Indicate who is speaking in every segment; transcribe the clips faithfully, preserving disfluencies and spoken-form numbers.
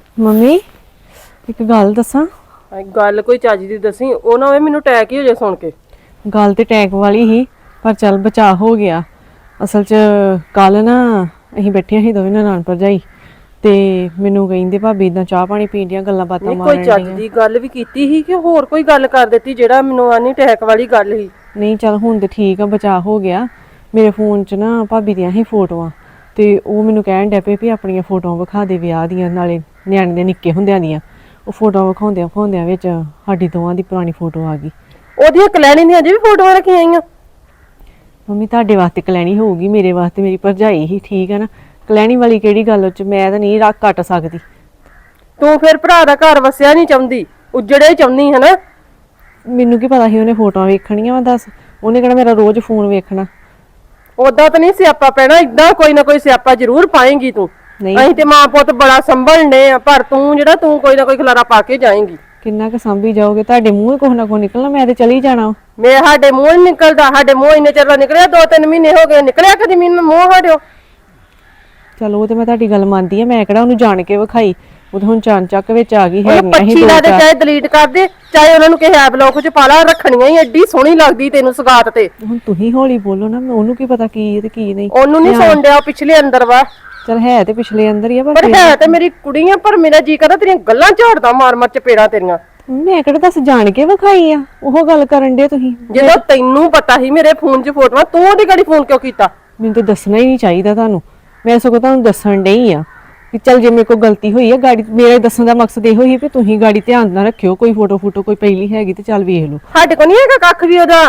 Speaker 1: Mummy ਇੱਕ ਗੱਲ ਦੱਸਾਂ।
Speaker 2: ਗੱਲ ਕੋਈ ਚੱਜ ਦੀ ਦੱਸੀ, ਉਹ ਨਾ ਹੋਵੇ ਮੈਨੂੰ ਅਟੈਕ ਹੀ ਹੋ ਜਾਏ ਸੁਣ ਕੇ।
Speaker 1: ਗੱਲ ਤੇ ਅਟੈਕ ਵਾਲੀ ਹੀ, ਪਰ ਚੱਲ ਬਚਾਅ ਹੋ ਗਿਆ। ਅਸਲ 'ਚ ਕੱਲ ਨਾ ਅਸੀਂ ਬੈਠੀਆਂ ਸੀ ਦੋਵੇਂ ਨਨਾਣ ਭਰਜਾਈ, ਤੇ ਮੈਨੂੰ ਕਹਿੰਦੇ ਭਾਬੀ ਇਦਾਂ ਚਾਹ ਪਾਣੀ ਪੀਣ ਦੀਆਂ ਗੱਲਾਂ ਬਾਤਾਂ
Speaker 2: ਨਹੀਂ ਕੋਈ
Speaker 1: ਮਾਰਨ
Speaker 2: ਚੱਜ
Speaker 1: ਡੀਆਂ।
Speaker 2: ਦੀ ਗੱਲ ਵੀ ਕੀਤੀ ਸੀ ਕਿ ਹੋਰ ਕੋਈ ਗੱਲ ਕਰ ਦਿੱਤੀ ਜਿਹੜਾ ਮੈਨੂੰ ਆਨੀ ਅਟੈਕ ਵਾਲੀ ਗੱਲ ਸੀ।
Speaker 1: ਨਹੀਂ ਚੱਲ ਹੁਣ ਤੇ ਠੀਕ ਆ, ਬਚਾਅ ਹੋ ਗਿਆ। ਮੇਰੇ ਫੋਨ 'ਚ ਨਾ ਭਾਬੀ ਦੀਆਂ ਹੀ ਫੋਟੋਆਂ, ਤੇ ਉਹ ਮੈਨੂੰ ਕਹਿਣ ਡੈ ਪਏ ਵੀ ਆਪਣੀਆਂ ਫੋਟੋਆਂ ਵਿਖਾ ਦੇ ਵਿਆਹ ਦੀਆਂ, ਨਾਲੇ ਨਿਆਣੇ ਦੇ ਨਿੱਕੇ ਹੁੰਦਿਆਂ ਦੀਆਂ। ਉਹ ਫੋਟੋਆਂ ਵਿਖਾਉਂਦਿਆਂ ਵਿਖਾਉਂਦਿਆਂ ਵਿੱਚ ਸਾਡੀ ਦੋਵਾਂ ਦੀ ਪੁਰਾਣੀ ਫੋਟੋ ਆ ਗਈ।
Speaker 2: ਉਹਦੀਆਂ ਕਲੈਣੀ ਦੀਆਂ ਅਜੇ ਵੀ ਫੋਟੋਆਂ ਰੱਖੀਆਂ ਆਈਆਂ।
Speaker 1: ਮੰਮੀ ਤੁਹਾਡੇ ਵਾਸਤੇ ਕਲੈਣੀ ਹੋਊਗੀ, ਮੇਰੇ ਵਾਸਤੇ ਮੇਰੀ ਭਰਜਾਈ ਹੀ ਠੀਕ ਹੈ ਨਾ। ਕਲੈਣੀ ਵਾਲੀ ਕਿਹੜੀ ਗੱਲ, ਉਹ 'ਚ ਮੈਂ ਤਾਂ ਨਹੀਂ ਰੱਖ ਕੱਟ ਸਕਦੀ।
Speaker 2: ਤੂੰ ਫਿਰ ਭਰਾ ਦਾ ਘਰ ਵਸਿਆ ਨਹੀਂ ਚਾਹੁੰਦੀ, ਉਜੜੇ ਚਾਹੁੰਦੀ ਹੈ ਨਾ।
Speaker 1: ਮੈਨੂੰ ਕੀ ਪਤਾ ਸੀ ਉਹਨੇ ਫੋਟੋਆਂ ਵੇਖਣੀਆਂ ਵਾ, ਦੱਸ ਉਹਨੇ ਕਿਹੜਾ ਮੇਰਾ ਰੋਜ਼ ਫੋਨ ਵੇਖਣਾ।
Speaker 2: ਉਦਾਂ ਤਾਂ ਨਹੀਂ ਸਿਆਪਾ ਪੈਣਾ, ਇਦਾਂ ਕੋਈ ਨਾ ਕੋਈ ਸਿਆਪਾ ਜ਼ਰੂਰ ਪਾਏਂਗੀ ਤੂੰ।
Speaker 1: ਨਹੀਂ
Speaker 2: ਅਸੀਂ ਤੇ ਮਾਂ ਪੁੱਤ ਬੜਾ ਸੰਭਲਣੇ ਆ, ਪਰ ਤੂੰ ਜਿਹੜਾ ਤੂੰ ਕੋਈ ਨਾ ਕੋਈ ਖਲਾਰਾ ਪਾ ਕੇ ਜਾਏਂਗੀ।
Speaker 1: ਕਿੰਨਾ ਕੁ ਸਾਂਭੀ ਜਾਓਗੇ, ਤੁਹਾਡੇ ਮੂੰਹ ਕੁਛ ਨਾ ਕੁਛ ਨਿਕਲਣਾ, ਮੈਂ ਤੇ ਚਲੀ ਜਾਣਾ।
Speaker 2: ਮੈਂ ਸਾਡੇ ਮੂੰਹ ਨੀ ਨਿਕਲਦਾ, ਸਾਡੇ ਮੂੰਹ ਇੰਨੇ ਚਿਰ ਦਾ ਨਿਕਲਿਆ, ਦੋ ਤਿੰਨ ਮਹੀਨੇ ਹੋ ਗਏ ਨਿਕਲਿਆ ਕਦੀ ਮੈਨੂੰ ਮੂੰਹ ਸਾਡਿਓ।
Speaker 1: ਚਲੋ ਉਹ ਤੇ ਮੈਂ ਤੁਹਾਡੀ ਗੱਲ ਮੰਨਦੀ ਆ, ਮੈਂ ਕਿਹੜਾ ਉਹਨੂੰ ਜਾਣ ਕੇ ਵਿਖਾਈ, ਉਹ ਤਾਂ ਹੁਣ ਚਾਨ ਚੱਕ ਵਿੱਚ ਆ ਗਈ ਹੈ।
Speaker 2: ਉਹਨੂੰ ਪੱਛੀ ਲਾ ਦੇ, ਚਾਹੇ ਡਿਲੀਟ ਕਰ ਦੇ, ਚਾਹੇ ਉਹਨਾਂ ਨੂੰ ਕਿਸੇ ਐਪ ਲੋਕ ਚ ਪਾ ਲਾ, ਰੱਖਣੀਆਂ ਹੀ ਐਡੀ ਸੋਹਣੀ ਲੱਗਦੀ ਤੈਨੂੰ ਸਗਾਤ ਤੇ।
Speaker 1: ਹੁਣ ਤੁਸੀਂ ਹੌਲੀ ਬੋਲੋ ਨਾ, ਉਹਨੂੰ ਕੀ ਪਤਾ ਕੀ ਹੈ ਤੇ ਕੀ ਨਹੀਂ।
Speaker 2: ਉਹਨੂੰ ਨਹੀਂ ਸੁਣ ਡਿਆ, ਪਿਛਲੇ ਅੰਦਰ ਵਾ।
Speaker 1: ਚਲ ਹੈ ਤੇ ਪਿਛਲੇ ਅੰਦਰ ਹੀ ਆ,
Speaker 2: ਪਰ ਹੈ ਤੇ ਮੇਰੀ ਕੁੜੀ ਆ, ਪਰ ਮੇਰਾ ਜੀ ਕਰਦਾ ਤੇਰੀਆਂ ਗੱਲਾਂ ਝਾੜਦਾ ਮਾਰ ਮਾਰ ਚਪੇੜਾਂ ਤੇਰੀਆਂ।
Speaker 1: ਮੈਂ ਕਿਹੜਾ ਦੱਸ ਜਾਣ ਕੇ ਵਿਖਾਈ ਆ, ਉਹ ਗੱਲ ਕਰਨ ਦੇ ਤੁਸੀਂ।
Speaker 2: ਜਦੋਂ ਤੈਨੂੰ ਪਤਾ ਸੀ ਮੇਰੇ ਫੋਨ 'ਚ ਫੋਟੋਆਂ, ਤੂੰ ਉਹਦੀ ਗਾੜੀ ਫੋਨ ਕਿਉਂ ਕੀਤਾ?
Speaker 1: ਮੈਨੂੰ ਤਾਂ ਦੱਸਣਾ ਹੀ ਨਹੀਂ ਚਾਹੀਦਾ ਤੁਹਾਨੂੰ, ਮੈਂ ਸਗੋਂ ਤੁਹਾਨੂੰ ਦੱਸਣ ਡਈ ਆ ਕਿ ਚੱਲ ਜੇ ਮੇਰੇ ਕੋਲ ਗਲਤੀ ਹੋਈ ਆ, ਗਾੜੀ ਮੇਰੇ ਦੱਸਣ ਦਾ ਮਕਸਦ ਇਹੋ ਹੀ ਵੀ ਤੁਸੀਂ ਗਾੜੀ ਧਿਆਨ ਨਾਲ ਰੱਖਿਓ, ਕੋਈ ਫੋਟੋ ਫੋਟੋ ਕੋਈ ਪਹਿਲੀ ਹੈਗੀ ਤੇ ਚੱਲ ਵੇਖ ਲਓ।
Speaker 2: ਸਾਡੇ ਕੋਲ ਨਹੀਂ ਹੈਗਾ ਕੱਖ ਵੀ ਉਹਦਾ,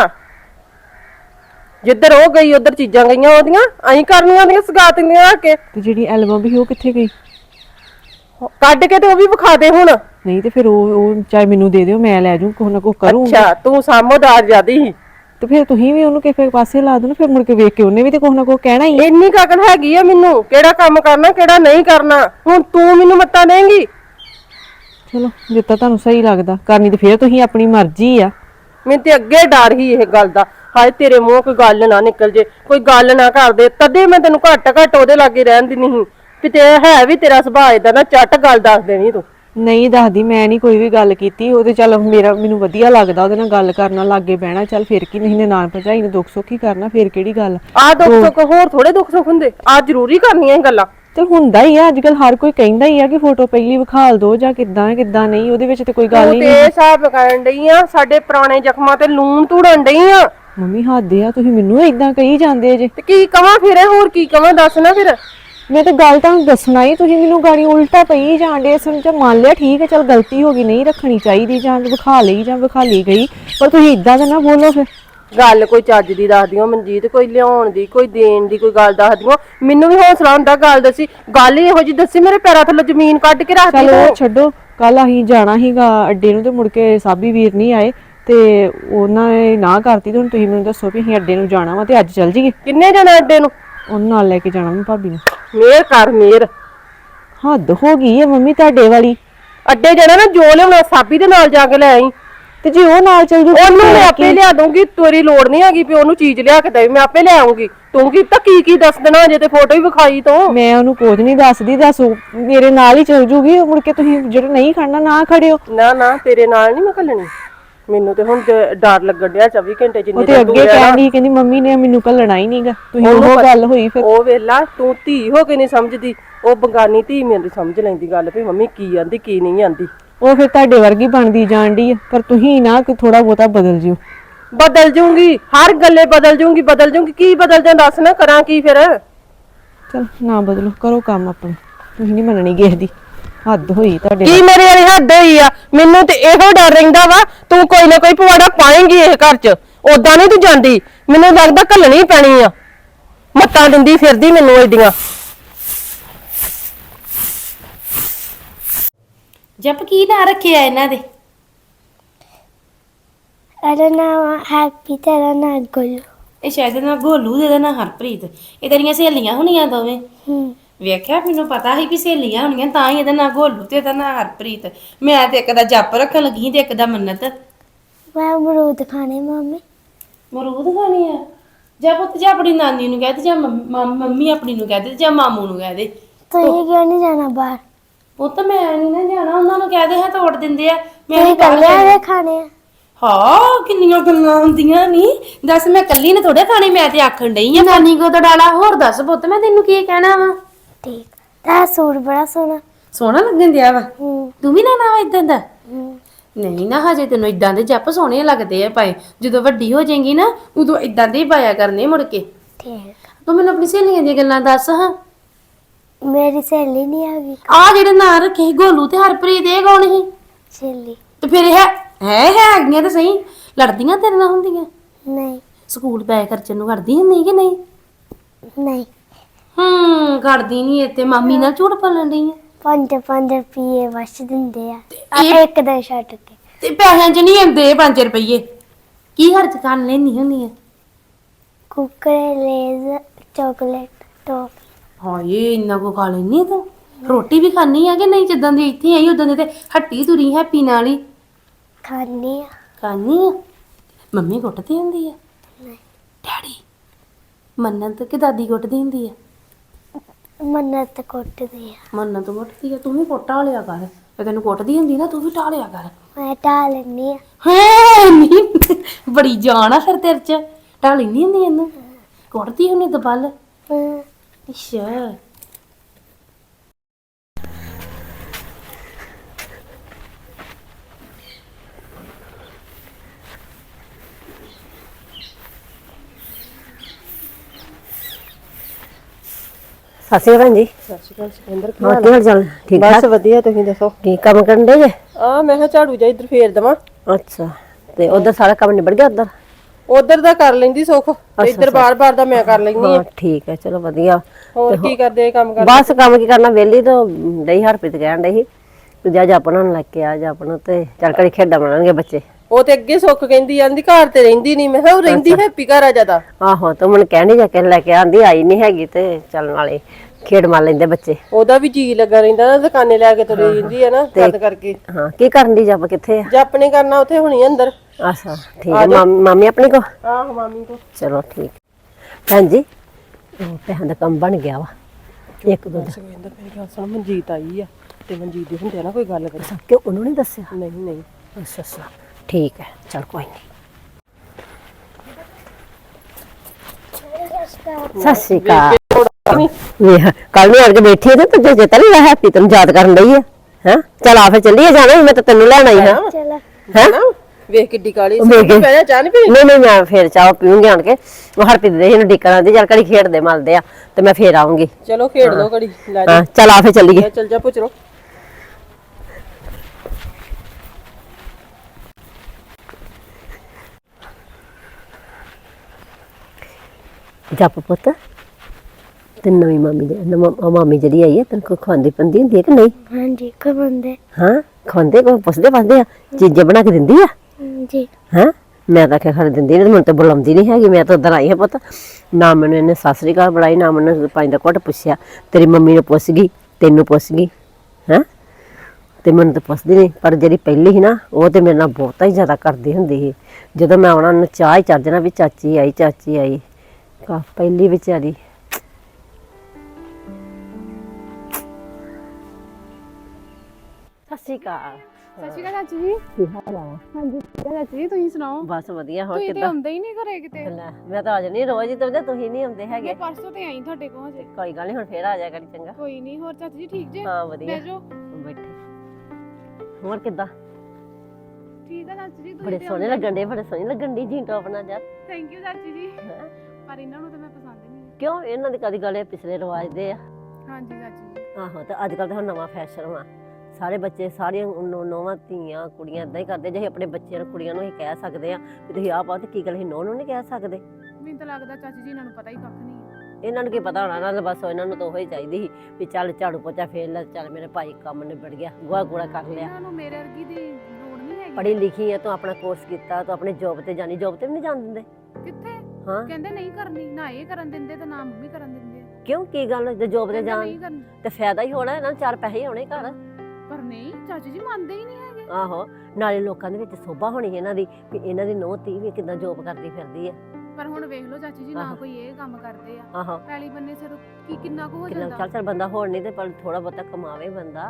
Speaker 2: ਜਿੱਧਰ ਉਹ ਗਈ ਉਧਰ ਚੀਜ਼ਾਂ ਗਈਆਂ ਉਹਦੀਆਂ, ਅਸੀਂ ਕਰਨੀਆਂ ਉਹਦੀਆਂ ਸਗਾਤ ਦੀਆਂ ਰੱਖ ਕੇ।
Speaker 1: ਤੇ ਜਿਹੜੀ ਐਲਬਮ ਵੀ ਉਹ ਕਿੱਥੇ ਗਈ?
Speaker 2: ਕੱਢ ਕੇ ਤੇ ਉਹ ਵੀ ਵਿਖਾ ਦੇ ਹੁਣ।
Speaker 1: ਨਹੀਂ ਤੇ ਫਿਰ ਉਹ ਉਹ ਚਾਹੇ ਮੈਨੂੰ ਦੇ ਦਿਓ, ਮੈਂ ਲੈ ਜਾਊਂ, ਕੁਛ ਨਾ ਕੁਛ ਕਰੂੰਗੀ।
Speaker 2: ਅੱਛਾ ਤੂੰ ਸਮਝਦਾਰ ਜਿਆਦੀ ਸੀ।
Speaker 1: ਤੇ ਫਿਰ ਤੁਸੀਂ ਵੀ ਉਹਨੂੰ ਕਿਸੇ ਪਾਸੇ ਲਾ ਦੋ ਨਾ, ਫਿਰ ਮੁੜ ਕੇ ਵੇਖ ਕੇ ਉਹਨੇ ਵੀ ਤੇ ਕੁਛ ਨਾ ਕੁਛ ਕਹਿਣਾ ਹੀ।
Speaker 2: ਇੰਨੀ ਕਾਕਲ ਹੈਗੀ ਆ ਮੈਨੂੰ, ਕਿਹੜਾ ਕੰਮ ਕਰਨਾ ਕਿਹੜਾ ਨਹੀਂ ਕਰਨਾ, ਹੁਣ ਤੂੰ ਮੈਨੂੰ ਮੱਤਾਂ ਦੇਂਗੀ।
Speaker 1: ਚਲੋ ਜਿੱਦਾਂ ਤੁਹਾਨੂੰ ਸਹੀ ਲੱਗਦਾ, ਕਰਨੀ ਤੇ ਫਿਰ ਤੁਸੀਂ ਆਪਣੀ ਮਰਜ਼ੀ ਆ।
Speaker 2: ਮੈਨੂੰ ਤੇ ਅੱਗੇ ਡਰ ਹੀ ਇਹ ਗੱਲ ਦਾ, ਹਾਏ ਤੇਰੇ ਮੂੰਹ ਕੋਈ ਗੱਲ ਨਾ ਨਿਕਲ ਜੇ, ਕੋਈ ਗੱਲ ਨਾ ਕਰ ਦੇ, ਤਦੇ ਮੈਂ ਤੈਨੂੰ ਘੱਟ ਘੱਟ ਉਹਦੇ ਲਾਗੇ ਰਹਿਣ ਦੀ ਨਹੀਂ ਵੀ ਤੇ ਹੈ ਵੀ ਤੇਰਾ ਸੁਭਾਅ ਏਦਾਂ ਨਾ, ਝੱਟ ਗੱਲ ਦੱਸ ਦੇਣੀ ਤੂੰ।
Speaker 1: ਨਹੀਂ ਦੱਸਦੀ, ਮੈਂ ਨਹੀਂ ਕੋਈ ਵੀ ਗੱਲ ਕੀਤੀ। ਉਹ ਤੇ ਚੱਲ ਮੇਰਾ ਮੈਨੂੰ ਵਧੀਆ ਲੱਗਦਾ ਉਹਦੇ ਨਾਲ ਗੱਲ ਕਰਨਾ, ਲਾਗੇ ਬਹਿਣਾ, ਚੱਲ ਫਿਰ ਕੀ, ਨਹੀਂ ਨੇ ਨਾਲ ਭਰਜਾਈ ਨੇ ਦੁੱਖ ਸੁੱਖ ਹੀ ਕਰਨਾ, ਫਿਰ ਕਿਹੜੀ ਗੱਲ।
Speaker 2: ਆਹ ਦੁੱਖ ਸੁੱਖ ਹੋਰ ਥੋੜੇ ਦੁੱਖ ਸੁੱਖ ਹੁੰਦੇ, ਆਹ ਜ਼ਰੂਰੀ ਕਰਨੀਆਂ ਇਹ ਗੱਲਾਂ।
Speaker 1: ਤੇ ਹੁੰਦਾ ਹੀ ਆ, ਅੱਜ ਕੱਲ ਹਰ ਕੋਈ ਕਹਿੰਦਾ ਹੀ ਆ ਕਿ ਫੋਟੋ ਪਹਿਲੀ ਵਿਖਾਲ ਦੋ ਜਾਂ ਕਿੱਦਾਂ ਕਿੱਦਾਂ ਨਹੀਂ, ਉਹਦੇ ਵਿੱਚ ਤੇ ਕੋਈ ਗੱਲ ਹੀ
Speaker 2: ਤੇ
Speaker 1: ਨਹੀਂ।
Speaker 2: ਹਿਸਾਬ ਕਰਨ ਡਈ ਆ, ਸਾਡੇ ਪੁਰਾਣੇ ਜ਼ਖਮਾਂ ਤੇ ਲੂਣ ਧੂੜਨ ਡਈ ਆ।
Speaker 1: ਮੰਮੀ ਹੱਦ ਆ, ਤੁਸੀਂ ਮੈਨੂੰ ਏਦਾਂ ਕਹੀ ਜਾਂਦੇ ਜੇ।
Speaker 2: ਤੇ ਕੀ ਕਵਾਂ ਫਿਰ, ਹੋਰ ਕੀ ਕਵਾਂ ਦੱਸ ਨਾ ਫਿਰ।
Speaker 1: ਮੈਂ ਤਾਂ ਗੱਲ ਤੁਹਾਨੂੰ ਦੱਸਣਾ ਹੀ, ਤੁਸੀਂ ਮੈਨੂੰ ਗਾੜੀ ਉਲਟਾ ਪਈ ਜਾਂਦੇ। ਸਮਝ ਮੰਨ ਲਿਆ ਠੀਕ ਹੈ, ਚੱਲ ਗਲਤੀ ਹੋ ਗਈ, ਨਹੀਂ ਰੱਖਣੀ ਚਾਹੀਦੀ, ਜਾਂ ਵਿਖਾ ਲਈ ਜਾਂ ਵਿਖਾਲੀ ਗਈ, ਪਰ ਤੁਸੀਂ ਇਦਾਂ ਤਾਂ ਨਾ ਬੋਲੋ ਫਿਰ।
Speaker 2: ਗੱਲ ਕੋਈ ਚੱਜ ਦੀ ਦੱਸ ਦਿਓ ਮਨਜੀਤ, ਕੋਈ ਲਿਆਉਣ ਦੀ, ਕੋਈ ਦੇਣ ਦੀ, ਕੋਈ ਗੱਲ ਦੱਸ ਦਿਓ, ਮੈਨੂੰ ਵੀ ਹੌਸਲਾ ਹੁੰਦਾ। ਗੱਲ ਦੱਸੀ, ਗੱਲ ਇਹੋ ਜੀ ਦੱਸੀ ਮੇਰੇ ਪੈਰਾਂ ਥੱਲੇ ਜ਼ਮੀਨ ਕੱਢ ਕੇ ਰੱਖ ਦੇ।
Speaker 1: ਚਲੋ ਛੱਡੋ, ਕੱਲ ਅਸੀਂ ਜਾਣਾ ਸੀਗਾ ਅੱਡੇ ਨੂੰ, ਤੇ ਮੁੜ ਕੇ ਸਾਬੀ ਵੀਰ ਨਹੀਂ ਆਏ, ਤੇ ਉਹਨਾਂ ਨੇ ਨਾ ਕਰਤੀ। ਤੇ ਹੁਣ ਤੁਸੀਂ ਮੈਨੂੰ ਦੱਸੋ ਵੀ ਅਸੀਂ ਅੱਡੇ ਨੂੰ ਜਾਣਾ ਵਾ, ਤੇ ਅੱਜ ਚੱਲ ਜੀਏ?
Speaker 2: ਕਿੰਨੇ ਜਾਣਾ ਅੱਡੇ ਨੂੰ?
Speaker 1: ਉਹਨੂੰ ਨਾਲ ਲੈ ਕੇ ਜਾਣਾ ਮੈਂ ਭਾਬੀ ਨੂੰ।
Speaker 2: ਮੇਰ ਕਰ ਮੇਰ,
Speaker 1: ਹੱਦ ਹੋ ਗਈ ਹੈ ਮੰਮੀ ਤੁਹਾਡੇ ਵਾਲੀ।
Speaker 2: ਅੱਡੇ ਜਾਣਾ ਨਾ, ਜੋ ਲਿਆਉਣਾ ਸਾਬੀ ਦੇ ਨਾਲ ਜਾ ਕੇ ਲੈ ਆਈ।
Speaker 1: ਤੇ ਜੇ ਉਹ ਨਾਲ ਚੱਲ ਜੂ,
Speaker 2: ਉਹਨੂੰ ਮੈਂ ਆਪੇ ਲਿਆ ਦੂੰਗੀ, ਤੇਰੀ ਲੋੜ ਨਹੀਂ ਹੈਗੀ ਵੀ ਉਹਨੂੰ ਚੀਜ਼ ਲਿਆ ਕੇ ਦੇ, ਮੈਂ ਆਪੇ ਲੈ ਆਉਂਗੀ। ਤੂੰ ਕੀ ਤਾਂ ਕੀ ਕੀ ਦੱਸ ਦੇਣਾ, ਜੇ ਤੇ ਫੋਟੋ ਹੀ ਵਿਖਾਈ ਤੋਂ।
Speaker 1: ਮੈਂ ਉਹਨੂੰ ਕੁਝ ਨਹੀਂ ਦੱਸਦੀ, ਦੱਸੋ ਮੇਰੇ ਨਾਲ ਹੀ ਚੱਲ ਜੂਗੀ। ਮੁੜ ਕੇ ਤੁਸੀਂ ਜਿਹੜਾ ਨਹੀਂ ਖੜਨਾ ਨਾ ਖੜਿਓ।
Speaker 2: ਨਾ ਨਾ ਤੇਰੇ ਨਾਲ ਨਹੀਂ ਮੈਂ ਘੱਲਣੀ, ਮੈਨੂੰ ਤੇ ਹੁਣ ਡਰ ਲੱਗਣ ਡਿਆ ਚੌਵੀ ਘੰਟੇ ਜਿੰਨੇ
Speaker 1: ਉਹ ਤੇ ਅੱਗੇ ਕਹਿੰਦੀ ਕਹਿੰਦੀ ਮੰਮੀ ਨੇ ਮੈਨੂੰ ਘੱਲਣਾ ਹੀ ਨਹੀਂਗਾ। ਤੁਸੀਂ ਉਹ ਗੱਲ ਹੋਈ ਫਿਰ।
Speaker 2: ਉਹ ਵੇਲਾ ਤੂੰ ਧੀ ਹੋ ਕੇ ਨਹੀਂ ਸਮਝਦੀ, ਉਹ ਬਗਾਨੀ ਧੀ ਮੇਰੀ ਸਮਝ ਲੈਂਦੀ ਗੱਲ ਵੀ ਮੰਮੀ ਕੀ ਆਂਦੀ ਕੀ ਨਹੀਂ ਆਂਦੀ।
Speaker 1: ਉਹ ਫਿਰ ਤੁਹਾਡੇ ਵਰਗੀ ਬਣਦੀ ਜਾਣ ਡਈ ਆ, ਪਰ ਤੁਸੀਂ ਨਾ ਕਿ ਥੋੜਾ ਬਹੁਤਾ ਬਦਲ ਜਿਓ।
Speaker 2: ਬਦਲ ਜੂੰਗੀ, ਹਰ ਗੱਲੇ ਬਦਲ ਜੂੰਗੀ, ਬਦਲ ਜੂੰਗੀ। ਕੀ ਬਦਲ ਜਾਂ ਦੱਸ ਨਾ, ਕਰਾਂ ਕੀ ਫਿਰ?
Speaker 1: ਚਲ ਨਾ ਬਦਲੋ, ਕਰੋ ਕੰਮ ਆਪਣਾ, ਤੁਸੀਂ ਨਹੀਂ ਮੰਨਣੀ ਕਿਸੇ ਦੀ। ਹੱਦ ਹੋਈ ਤੁਹਾਡੇ।
Speaker 2: ਕੀ ਮੇਰੇ ਵਾਲੀ ਹੱਦ ਹੋਈ ਆ? ਮੈਨੂੰ ਤੇ ਇਹੋ ਡਰ ਰਹਿੰਦਾ ਵਾ ਤੂੰ ਕੋਈ ਨਾ ਕੋਈ ਪਵਾੜਾ ਪਾਏਂਗੀ ਇਹ ਘਰ 'ਚ, ਉਦਾਂ ਨਹੀਂ ਤੂੰ ਜਾਂਦੀ। ਮੈਨੂੰ ਲੱਗਦਾ ਘੱਲਣੀ ਪੈਣੀ ਆ, ਮੱਤਾਂ ਦਿੰਦੀ ਫਿਰਦੀ ਮੈਨੂੰ ਏਡੀਆਂ।
Speaker 3: ਜਪ ਕੀ ਨਾਂ ਰੱਖਿਆ ਇਹਨਾਂ ਦੇ?
Speaker 4: ਇਹਦਾ ਨਾਮ ਹੈਪੀ, ਤੇਰਾ ਨਾਮ ਗੋਲੂ।
Speaker 3: ਇਹ ਸ਼ਾਇਦ ਨਾ ਗੋਲੂ ਤੇ ਇਹਦਾ ਨਾਂ ਹਰਪ੍ਰੀਤ। ਇਹ ਤੇਰੀਆਂ ਸਹੇਲੀਆਂ ਹੋਣੀਆਂ ਦੋਵੇਂ?
Speaker 4: ਹੂੰ
Speaker 3: ਵੇਖਿਆ, ਮੈਨੂੰ ਪਤਾ ਸੀ ਵੀ ਸਹੇਲੀਆਂ ਹੋਣੀਆਂ, ਤਾਂ ਹੀ ਇਹਦਾ ਨਾਂ ਗੋਲੂ ਤੇ ਇਹਦਾ ਨਾਂ ਹਰਪ੍ਰੀਤ। ਮੈਂ ਤੇ ਇੱਕ ਦਾ ਜਪ ਰੱਖਣ ਲੱਗੀ ਤੇ ਇੱਕ ਦਾ ਮੰਨਤ।
Speaker 4: ਮੈਂ ਅਮਰੂਦ ਖਾਣੇ ਮੰਮੀ।
Speaker 3: ਮਰੂਦ ਖਾਣੀ ਆ? ਜਾਂ ਪੁੱਤ ਜਾਂ ਆਪਣੀ ਨਾਨੀ ਨੂੰ ਕਹਿ ਦੇ, ਜਾਂ ਮੰਮੀ ਆਪਣੀ ਨੂੰ ਕਹਿ ਦੇ, ਜਾਂ ਮਾਮੂ ਨੂੰ ਕਹਿ ਦੇ।
Speaker 4: ਤੁਸੀਂ ਕਿਉਂ ਨਹੀਂ ਜਾਣਾ ਬਾਹਰ?
Speaker 3: ਉਹ ਤਾਂ ਮੈਂ ਨਹੀਂ ਨਾ ਜਾਣਾ, ਉਹਨਾਂ ਨੂੰ ਕਹਿ ਦੇ ਹਾਂ ਤੋੜ ਦਿੰਦੇ ਆ, ਮੈਂ
Speaker 4: ਤੁਸੀਂ
Speaker 3: ਨਹੀਂ ਬਾਹਰ
Speaker 4: ਕੱਲੇ
Speaker 3: ਜਾਣਾ।
Speaker 4: ਆਵੇ ਖਾਣੇ ਆ?
Speaker 3: ਹਾਂ ਕਿੰਨੀਆਂ ਗੱਲਾਂ ਹੁੰਦੀਆਂ ਨਹੀਂ, ਦੱਸ ਮੈਂ ਕੱਲੀ ਨੇ ਥੋੜੇ ਖਾਣੇ, ਮੈਂ ਤੇ ਆਖਣ ਡਈ ਆ ਨਾਨੀ ਕੋ ਤਾਂ ਡਾਲਾ। ਹੋਰ ਦੱਸ ਪੁੱਤ ਮੈਂ ਤੈਨੂੰ ਕੀ ਕਹਿਣਾ ਵਾ?
Speaker 4: ਠੀਕ ਤਾਂ ਸੂਟ ਬੜਾ ਸੋਹਣਾ।
Speaker 3: ਸੋਹਣਾ ਲੱਗਣ ਦਿਆ ਵਾ?
Speaker 4: ਹੂੰ
Speaker 3: ਤੂੰ ਵੀ ਲੈਣਾ ਵਾ ਇਦਾਂ ਦਾ?
Speaker 4: ਹੂੰ
Speaker 3: ਨਹੀਂ ਨਾ ਹਜੇ ਤੈਨੂੰ ਇਦਾਂ ਦੇ ਜੱਪ ਸੋਹਣੇ ਲੱਗਦੇ ਆ ਪਾਏ, ਜਦੋਂ ਵੱਡੀ ਹੋ ਜਾਏਗੀ ਨਾ ਉਦੋਂ ਇਦਾਂ ਦੇ ਹੀ ਪਾਇਆ ਕਰਨੇ ਮੁੜ ਕੇ।
Speaker 4: ਠੀਕ।
Speaker 3: ਤੂੰ ਮੈਨੂੰ ਆਪਣੀ ਸਹੇਲੀਆਂ ਦੀਆਂ ਗੱਲਾਂ ਦੱਸ ਹਾਂ।
Speaker 4: ਮੇਰੀ ਸਹੇਲੀ ਨਹੀਂ ਹੈਗੀ।
Speaker 3: ਆ ਜਿਹੜੇ ਨਾਂ ਰੱਖੇ ਸੀ ਗੋਲੂ ਤੇ ਹਰਪ੍ਰੀਤ, ਇਹ ਕੌਣ ਸੀ?
Speaker 4: ਸਹੇਲੀ
Speaker 3: ਤੇ ਫਿਰ ਇਹ ਹੈ ਹੈ ਹੈਗੀਆਂ ਤਾਂ ਸਹੀ, ਲੜਦੀਆਂ ਤੇਰੇ ਨਾਲ ਹੁੰਦੀਆਂ?
Speaker 4: ਨਹੀਂ
Speaker 3: ਸਕੂਲ ਪੈ ਖਰਚਣ ਨੂੰ ਕਰਦੀ ਹੁੰਦੀ ਕਿ ਨਹੀਂ?
Speaker 4: ਨਹੀਂ।
Speaker 3: ਹੂੰ ਕਰਦੀ ਨਹੀਂ, ਇੱਥੇ ਮਾਮੀ ਨਾਲ ਝੂਠ ਪਲਣ ਡਈ ਆ।
Speaker 4: ਪੰਜ ਪੰਜ ਰੁਪਏ ਵਸ਼ ਦਿੰਦੇ ਆ
Speaker 3: ਇਹ-
Speaker 4: ਆ ਇੱਕ ਦਿਨ ਛੱਡ ਕੇ।
Speaker 3: ਤੇ ਪੈਸਿਆਂ 'ਚ ਨਹੀਂ ਆਉਂਦੇ ਪੰਜ ਰੁਪਈਏ, ਕੀ ਖਰਚ ਕਰ ਲੈਂਦੀ ਹੁੰਦੀ ਆ?
Speaker 4: Kurkure Lay's chocolate top.
Speaker 3: ਹਾਏ ਇੰਨਾ ਕੋ ਖਾ ਲੈਂਦੀ ਤੂੰ? ਰੋਟੀ ਵੀ ਖਾਣੀ ਆ ਕਿ ਨਹੀਂ? ਜਿੱਦਾਂ ਦੀ ਇੱਥੇ ਆਈ ਉਦਾਂ ਦੀ ਤੇ ਹੱਟੀ ਤੁਰੀ ਹੈਪੀ ਨਾਲ ਹੀ
Speaker 4: ਖਾਣੀ ਆ।
Speaker 3: ਖਾਣੀ ਆ। ਮੰਮੀ ਕੁੱਟਦੀ ਹੁੰਦੀ ਆ?
Speaker 4: ਨਹੀਂ।
Speaker 3: ਡੈਡੀ ਮੰਨਤ ਕਿ ਦਾਦੀ ਕੁੱਟਦੀ ਹੁੰਦੀ ਆ?
Speaker 4: ਮੰਨਤ ਕੁੱਟਦੀ ਆ।
Speaker 3: ਮੰਨਤ ਕੁੱਟਦੀ ਆ, ਤੂੰ ਵੀ ਕੁੱਟ ਲਿਆ ਕਰ, ਤੇ ਤੈਨੂੰ ਕੁੱਟਦੀ ਹੁੰਦੀ ਨਾ ਤੂੰ ਵੀ ਟਾਲਿਆ ਕਰ।
Speaker 4: ਮੈਂ ਢਾ ਲੈਂਦੀ ਆ।
Speaker 3: ਹੈ ਨਹੀਂ ਬੜੀ ਜਾਨ ਆ ਫਿਰ ਤੇਰੇ ਚ, ਢਾਲੀ ਨਹੀਂ ਹੁੰਦੀ ਇਹਨੂੰ, ਕੁੱਟਦੀ ਹੁੰਦੀ ਦਬਲ।
Speaker 4: ਹਾਂ।
Speaker 3: ਅੱਛਾ
Speaker 5: ਸਤਿ ਸ਼੍ਰੀ ਅਕਾਲ ਜੀ।
Speaker 2: ਸਤਿ ਸ਼੍ਰੀ ਅਕਾਲ ਸੁਖਿੰਦਰ, ਕੀ
Speaker 5: ਹੋਰ
Speaker 2: ਹਾਲ
Speaker 5: ਕੀ ਹਾਲ ਚਾਲ? ਠੀਕ
Speaker 2: ਬਸ
Speaker 5: ਠਾਕ?
Speaker 2: ਵਧੀਆ, ਤੁਸੀਂ ਦੱਸੋ?
Speaker 5: ਕੀ ਕੰਮ ਕਰਨ ਦੇ ਜੇ?
Speaker 2: ਆ ਮੈਂ ਕਿਹਾ ਝਾੜੂ ਜਾ ਇੱਧਰ ਫੇਰ ਦਵਾਂ।
Speaker 5: ਅੱਛਾ, ਤੇ ਉਧਰ ਸਾਰਾ ਕੰਮ ਨਿਬੜ ਗਿਆ ਉਧਰ?
Speaker 2: ਉਧਰ ਦਾ ਕਰ ਲੈਂਦੀ ਸੁੱਖ, ਤੇ ਇੱਧਰ ਬਾਰ-ਬਾਰ ਦਾ ਮੈਂ ਕਰ ਲੈਂਦੀ ਆ।
Speaker 5: ਹਾਂ ਠੀਕ ਹੈ, ਚਲੋ ਵਧੀਆ।
Speaker 2: ਹੋਰ ਕੀ ਕਰਦੇ ਕੰਮ ਕਰ?
Speaker 5: ਬਸ ਕੰਮ ਕੀ ਕਰਨਾ, ਵਿਹਲੀ ਤੋਂ ਡਈ ਹਰਪ੍ਰੀਤ ਕਹਿਣ ਡਈ ਸੀ ਤੂੰ ਜਾ ਜਾਪਣਾ ਨੂੰ ਲੈ ਕੇ ਆ, ਜਾਪਣਾ ਤੇ ਚੱਲ ਕੜੀ ਖੇਡਾਂ ਬਣਨਗੇ ਬੱਚੇ।
Speaker 2: ਉਹ ਤੇ ਅੱਗੇ ਸੁੱਖ ਕਹਿੰਦੀ ਆਂਦੀ ਘਰ ਤੇ ਰਹਿੰਦੀ ਨਹੀਂ, ਮੈਂ ਕਿਹਾ ਉਹ ਰਹਿੰਦੀ ਹੈਪੀ ਘਰ ਆ ਜਿਆਦਾ।
Speaker 5: ਆਹੋ ਤੇ ਮੈਨੂੰ ਕਹਿਣੀ ਜਾ ਕੇ ਲੈ ਕੇ ਆਂਦੀ, ਆਈ ਨਹੀਂ ਹੈਗੀ ਤੇ ਚੱਲ ਨਾਲੇ ਖੇਡ ਮਾਰ ਲੈਂਦੇ ਬੱਚੇ।
Speaker 2: ਉਹਦਾ ਵੀ ਜੀ ਲੱਗਾ ਰਹਿੰਦਾ ਨਾ, ਦੁਕਾਨੇ ਲੈ ਕੇ ਤੁਰੀ ਰਹਿੰਦੀ ਆ ਨਾ ਤਦ ਕਰਕੇ।
Speaker 5: ਹਾਂ ਕੀ ਕਰਨ ਦੀ ਜਪ ਕਿੱਥੇ ਆ?
Speaker 2: ਜੇ ਆਪਣੇ ਕਰਨਾ ਉੱਥੇ ਹੋਣੀ ਅੰਦਰ।
Speaker 5: ਅੱਛਾ ਠੀਕ ਹੈ, ਮਾਮ- ਮਾਮੀ ਆਪਣੀ ਕੋ?
Speaker 2: ਆਹ ਮਾਮੀ ਕੋ।
Speaker 5: ਚਲੋ ਠੀਕ। ਭੈਣ ਜੀ ਉਹ ਪੈਸਿਆਂ ਦਾ ਕੰਮ ਬਣ ਗਿਆ ਵਾ, ਇੱਕ ਦੋ ਦਿਨ।
Speaker 2: ਸੁਖਿੰਦਰ ਮੇਰੀ ਗੱਲ ਸੁਣ, ਮਨਜੀਤ ਆਈ ਆ ਤੇ ਮਨਜੀਤ ਦੀ ਹੁੰਦੇ ਆ ਨਾ ਕੋਈ ਗੱਲ ਕਰ।
Speaker 5: ਕਿਉਂ ਉਹਨੂੰ ਨਹੀਂ ਦੱਸਿਆ?
Speaker 2: ਨਹੀਂ ਨਹੀਂ।
Speaker 5: ਅੱਛਾ ਅੱਛਾ ਠੀਕ ਹੈ, ਚਲ ਕੋਈ ਨਹੀਂ। ਸਤਿ ਸ਼੍ਰੀ ਅਕਾਲ। ਵੇਖ ਕੱਲ ਨੂੰ ਆਣ ਕੇ ਬੈਠੀ ਹੈ ਤੇ ਤੂੰ ਚੇਤਾ ਨਹੀਂ ਹੈਪੀ ਤੈਨੂੰ ਯਾਦ ਕਰਨ ਲਈ ਹੈ ਹੈ? ਚਲ ਆ ਫਿਰ ਚੱਲੀਏ, ਜਾਣਾ ਸੀ ਮੈਂ ਤਾਂ ਤੈਨੂੰ ਲੈਣ ਆਈ ਹਾਂ।
Speaker 4: ਚਲੋ।
Speaker 5: ਹੈ
Speaker 2: ਵੇਖ ਕਿੱਡੀ ਕਾਲੀ
Speaker 5: ਵੇਖ
Speaker 2: ਸੀ,
Speaker 5: ਕੇ-
Speaker 2: ਪਹਿਲਾਂ ਚਾਹ ਨਹੀਂ ਪੀਣੀ?
Speaker 5: ਨਹੀਂ ਨਹੀਂ ਮੈਂ ਫੇਰ ਚਾਹ ਪੀਉਂਗੀ ਆਣ ਕੇ। ਉਹ ਹਰਪ੍ਰੀਤ ਦੇ ਇਹਨੂੰ ਡਿੱਕਣ ਆਂਦੀ, ਚੱਲ ਘੜੀ ਖੇਡਦੇ ਮਲਦੇ ਆ ਤੇ ਮੈਂ ਫੇਰ ਆਉਂਗੀ।
Speaker 2: ਚਲੋ ਖੇਡ ਲਓ ਘੜੀ, ਲੈ
Speaker 5: ਹਾਂ ਚੱਲ ਆ ਫਿਰ ਚੱਲੀਏ।
Speaker 2: ਜਾ ਚੱਲ ਜਾ ਪੁੱਛ ਲਓ।
Speaker 5: ਜੱਪ ਪੁੱਤ ਤੇ ਨਵੀਂ ਮਾਮੀ ਦੇ ਨਵਾਂ ਮਾਮੀ ਜਿਹੜੀ ਆਈ ਹੈ ਤੈਨੂੰ ਕੋਈ ਖਵਾਉਂਦੀ ਪੰਦੀ ਹੁੰਦੀ ਹੈ ਕਿ ਨਹੀਂ?
Speaker 4: ਹਾਂਜੀ ਖਵਾਉਂਦੇ।
Speaker 5: ਹਾਂ ਖਵਾਉਂਦੇ ਕੋ ਪੁੱਛਦੇ ਪਾਸਦੇ ਆ, ਚੀਜ਼ਾਂ ਬਣਾ ਕੇ ਦਿੰਦੀ ਆ?
Speaker 4: ਹਾਂਜੀ।
Speaker 5: ਹਾਂ ਮੈਂ ਤਾਂ ਆਖਿਆ ਖੜ ਦਿੰਦੀ ਨਹੀਂ, ਮੈਨੂੰ ਤਾਂ ਬੁਲਾਉਂਦੀ ਨਹੀਂ ਹੈਗੀ। ਮੈਂ ਤਾਂ ਉਧਰ ਆਈ ਹਾਂ ਪੁੱਤ, ਨਾ ਮੈਨੂੰ ਇਹਨੇ ਸਤਿ ਸ੍ਰੀ ਅਕਾਲ ਬੁਲਾਈ, ਨਾ ਮੈਨੂੰ ਪੰਜ ਦਾ ਘੁੱਟ ਪੁੱਛਿਆ। ਤੇਰੀ ਮੰਮੀ ਨੂੰ ਪੁੱਛ ਗਈ, ਤੈਨੂੰ ਪੁੱਛ ਗਈ ਹੈਂ, ਤੇ ਮੈਨੂੰ ਤਾਂ ਪੁੱਛਦੀ ਨਹੀਂ। ਪਰ ਜਿਹੜੀ ਪਹਿਲੀ ਸੀ ਨਾ ਉਹ ਤੇ ਮੇਰੇ ਨਾਲ ਬਹੁਤਾ ਹੀ ਜ਼ਿਆਦਾ ਕਰਦੀ ਹੁੰਦੀ ਸੀ। ਜਦੋਂ ਮੈਂ ਉਹਨਾਂ ਨੂੰ ਚਾਹ ਹੀ ਚੜ ਜਾਣਾ ਵੀ ਚਾਚੀ ਆਈ ਚਾਚੀ ਆਈ, ਕਾ ਪਹਿਲੀ ਵਿਚਾਰੀ। ਸਤਿ ਸ਼੍ਰੀ ਅਕਾਲ।
Speaker 6: ਸਤਿ ਸ਼੍ਰੀ ਅਕਾਲ ਚਾਚੀ ਜੀ।
Speaker 5: ਕੀ ਹਾਲ ਆ?
Speaker 6: ਹਾਂਜੀ ਠੀਕ ਹੈ ਚਾਚੀ ਜੀ, ਤੁਸੀਂ ਸੁਣਾਓ?
Speaker 5: ਬਸ ਵਧੀਆ। ਹੋਰ
Speaker 6: ਤੁਸੀਂ ਤੇ
Speaker 5: ਕਿੱਦਾਂ?
Speaker 6: ਆਉਂਦੇ ਹੀ ਨਹੀਂ ਘਰੇ ਕਿਤੇ।
Speaker 5: ਲੈ ਮੈਂ ਤਾਂ ਆ ਜਾਣੀ ਰੋਜ਼ ਹੀ, ਤੇ ਤੁਸੀਂ ਨਹੀਂ ਆਉਂਦੇ ਹੈਗੇ।
Speaker 6: ਮੈਂ ਪਰਸੋਂ ਤੇ ਆਈ ਤੁਹਾਡੇ ਕੋਲ ਹਜੇ।
Speaker 5: ਕੋਈ ਗੱਲ ਨਹੀਂ, ਹੁਣ ਫੇਰ ਆ ਜਾਇਆ ਕਰੀ ਚੰਗਾ।
Speaker 6: ਕੋਈ ਨਹੀਂ। ਹੋਰ ਚਾਚੀ ਜੀ ਠੀਕ ਜੇ?
Speaker 5: ਹਾਂ ਵਧੀਆ।
Speaker 6: ਬਹਿ ਜਾਓ।
Speaker 5: ਬੈਠੇ। ਹੋਰ ਕਿੱਦਾਂ?
Speaker 6: ਠੀਕ ਆ ਚਾਚੀ ਜੀ।
Speaker 5: ਬੜੇ ਸੋਹਣੇ ਲੱਗਣ ਦੇ, ਬੜੇ ਸੋਹਣੇ ਲੱਗਣ ਦੀ ਜੀਨ ਟੌਪ ਨਾਲ ਯਾਰ।
Speaker 6: ਥੈਂਕ ਯੂ ਚਾਚੀ ਜੀ।
Speaker 5: ਹੈਂ?
Speaker 6: ਪਰ ਇਹਨਾਂ ਨੂੰ ਤਾਂ ਮੈਂ ਪਸੰਦ ਨਹੀਂ।
Speaker 5: ਕਿਉਂ? ਇਹਨਾਂ ਦੀ ਕਦੀ ਗੱਲ ਇਹ ਪਿਛਲੇ ਰਿਵਾਜ ਦੇ ਆ।
Speaker 6: ਹਾਂਜੀ ਚਾਚੀ ਜੀ।
Speaker 5: ਆਹੋ ਤੇ ਅੱਜ ਕੱਲ ਤਾਂ ਹੁਣ ਨਵਾਂ ਫੈਸ਼ਨ ਵਾ, ਸਾਰੇ ਬੱਚੇ ਸਾਰੀਆਂ ਨੌ- ਨੌਵਾਂ ਧੀਆਂ ਕੁੜੀਆਂ ਇਦਾਂ ਹੀ ਕਰਦੇ। ਜੇ ਅਸੀਂ ਆਪਣੇ ਬੱਚਿਆਂ ਨੂੰ ਕੁੜੀਆਂ ਨੂੰ ਅਸੀਂ ਕਹਿ ਸਕਦੇ ਆ ਕਿ ਤੁਸੀਂ ਆਹ ਪਾਓ, ਤੇ ਕੀ ਗੱਲ ਅਸੀਂ ਨੌ ਨੂੰ ਨਹੀਂ ਕਹਿ ਸਕਦੇ?
Speaker 6: ਮੈਨੂੰ ਤਾਂ ਲੱਗਦਾ ਚਾਚੀ ਜੀ ਇਹਨਾਂ ਨੂੰ ਪਤਾ ਹੀ ਕੱਖ ਨਹੀਂ ਹੈ।
Speaker 5: ਇਹਨਾਂ ਨੂੰ ਕੀ ਪਤਾ ਹੋਣਾ, ਇਹਨਾਂ ਨੂੰ ਬਸ ਇਹਨਾਂ ਨੂੰ ਤਾਂ ਉਹ ਹੀ ਚਾਹੀਦੀ ਸੀ ਵੀ ਚੱਲ ਝਾੜੂ ਪੋਚਾ ਫੇਰ ਲੈ, ਚੱਲ ਮੇਰੇ ਭਾਈ ਕੰਮ ਨਿਬੜ ਗਿਆ, ਗੋਹਾ ਗੂੜਾ ਕਰ ਲਿਆ।
Speaker 6: ਇਹਨਾਂ ਨੂੰ ਮੇਰੇ ਵਰਗੀ ਦੀ ਲੋੜ ਨਹੀਂ ਹੈਗੀ।
Speaker 5: ਪੜ੍ਹੀ ਲਿਖੀ ਆ, ਤੂੰ ਆਪਣਾ ਕੋਰਸ ਕੀਤਾ, ਤੂੰ ਆਪਣੀ ਜੌਬ ਤੇ ਜਾਣੀ, ਜੌਬ ਤੇ ਵੀ ਨਹੀਂ ਜਾਣ ਦਿੰਦੇ।
Speaker 6: ਕਿੱਥੇ?
Speaker 5: ਹਾਂ
Speaker 6: ਕਹਿੰਦੇ ਨਹੀਂ ਕਰਨੀ, ਨਾ ਇਹ ਕਰਨ ਦਿੰਦੇ ਤੇ ਨਾ ਮੰਮੀ ਕਰਨ ਦਿੰਦੇ ਆ।
Speaker 5: ਕਿਉਂ? ਕੀ ਗੱਲ? ਜੇ ਜੌਬ ਤੇ
Speaker 6: ਕਹਿੰਦੇ
Speaker 5: ਜਾਣ
Speaker 6: ਨਹੀਂ ਕਰਨੀ।
Speaker 5: ਤੇ ਫਾਇਦਾ ਹੀ ਹੋਣਾ, ਇਹਨਾਂ ਨੂੰ ਚਾਰ ਪੈਸੇ ਹੀ ਆਉਣੇ ਘਰ।
Speaker 6: ਪਰ ਨਹੀਂ ਚਾਚੀ ਜੀ ਮੰਨਦੇ ਹੀ ਨਹੀਂ ਹੈਗੇ।
Speaker 5: ਆਹੋ ਨਾਲੇ ਲੋਕਾਂ ਦੇ ਵਿੱਚ ਸੋਭਾ ਹੋਣੀ ਇਹਨਾਂ ਦੀ ਵੀ ਇਹਨਾਂ ਦੀ ਨੂੰਹ ਧੀ ਵੀ ਕਿਦਾਂ ਜੋਬ ਕਰਦੀ ਫਿਰਦੀ ਆ।
Speaker 6: ਪਰ ਹੁਣ ਵੇਖ ਲਓ ਚਾਚੀ ਜੀ, ਨਾ
Speaker 5: ਆਹੋ।
Speaker 6: ਕੋਈ ਇਹ ਕੰਮ ਕਰਦੇ ਆ।
Speaker 5: ਆਹੋ
Speaker 6: ਪੈਲੀ ਬੰਨੇ ਸਿਰ ਕੀ ਕਿੰਨਾ ਕੁ ਹੋ
Speaker 5: ਕਿੰਨਾ
Speaker 6: ਜਾਂਦਾ।
Speaker 5: ਚੱਲ ਚੱਲ ਬੰਦਾ ਹੋਰ ਨਹੀਂ ਤੇ ਪਰ ਥੋੜਾ ਬਹੁਤਾ ਕਮਾਵੇ ਬੰਦਾ,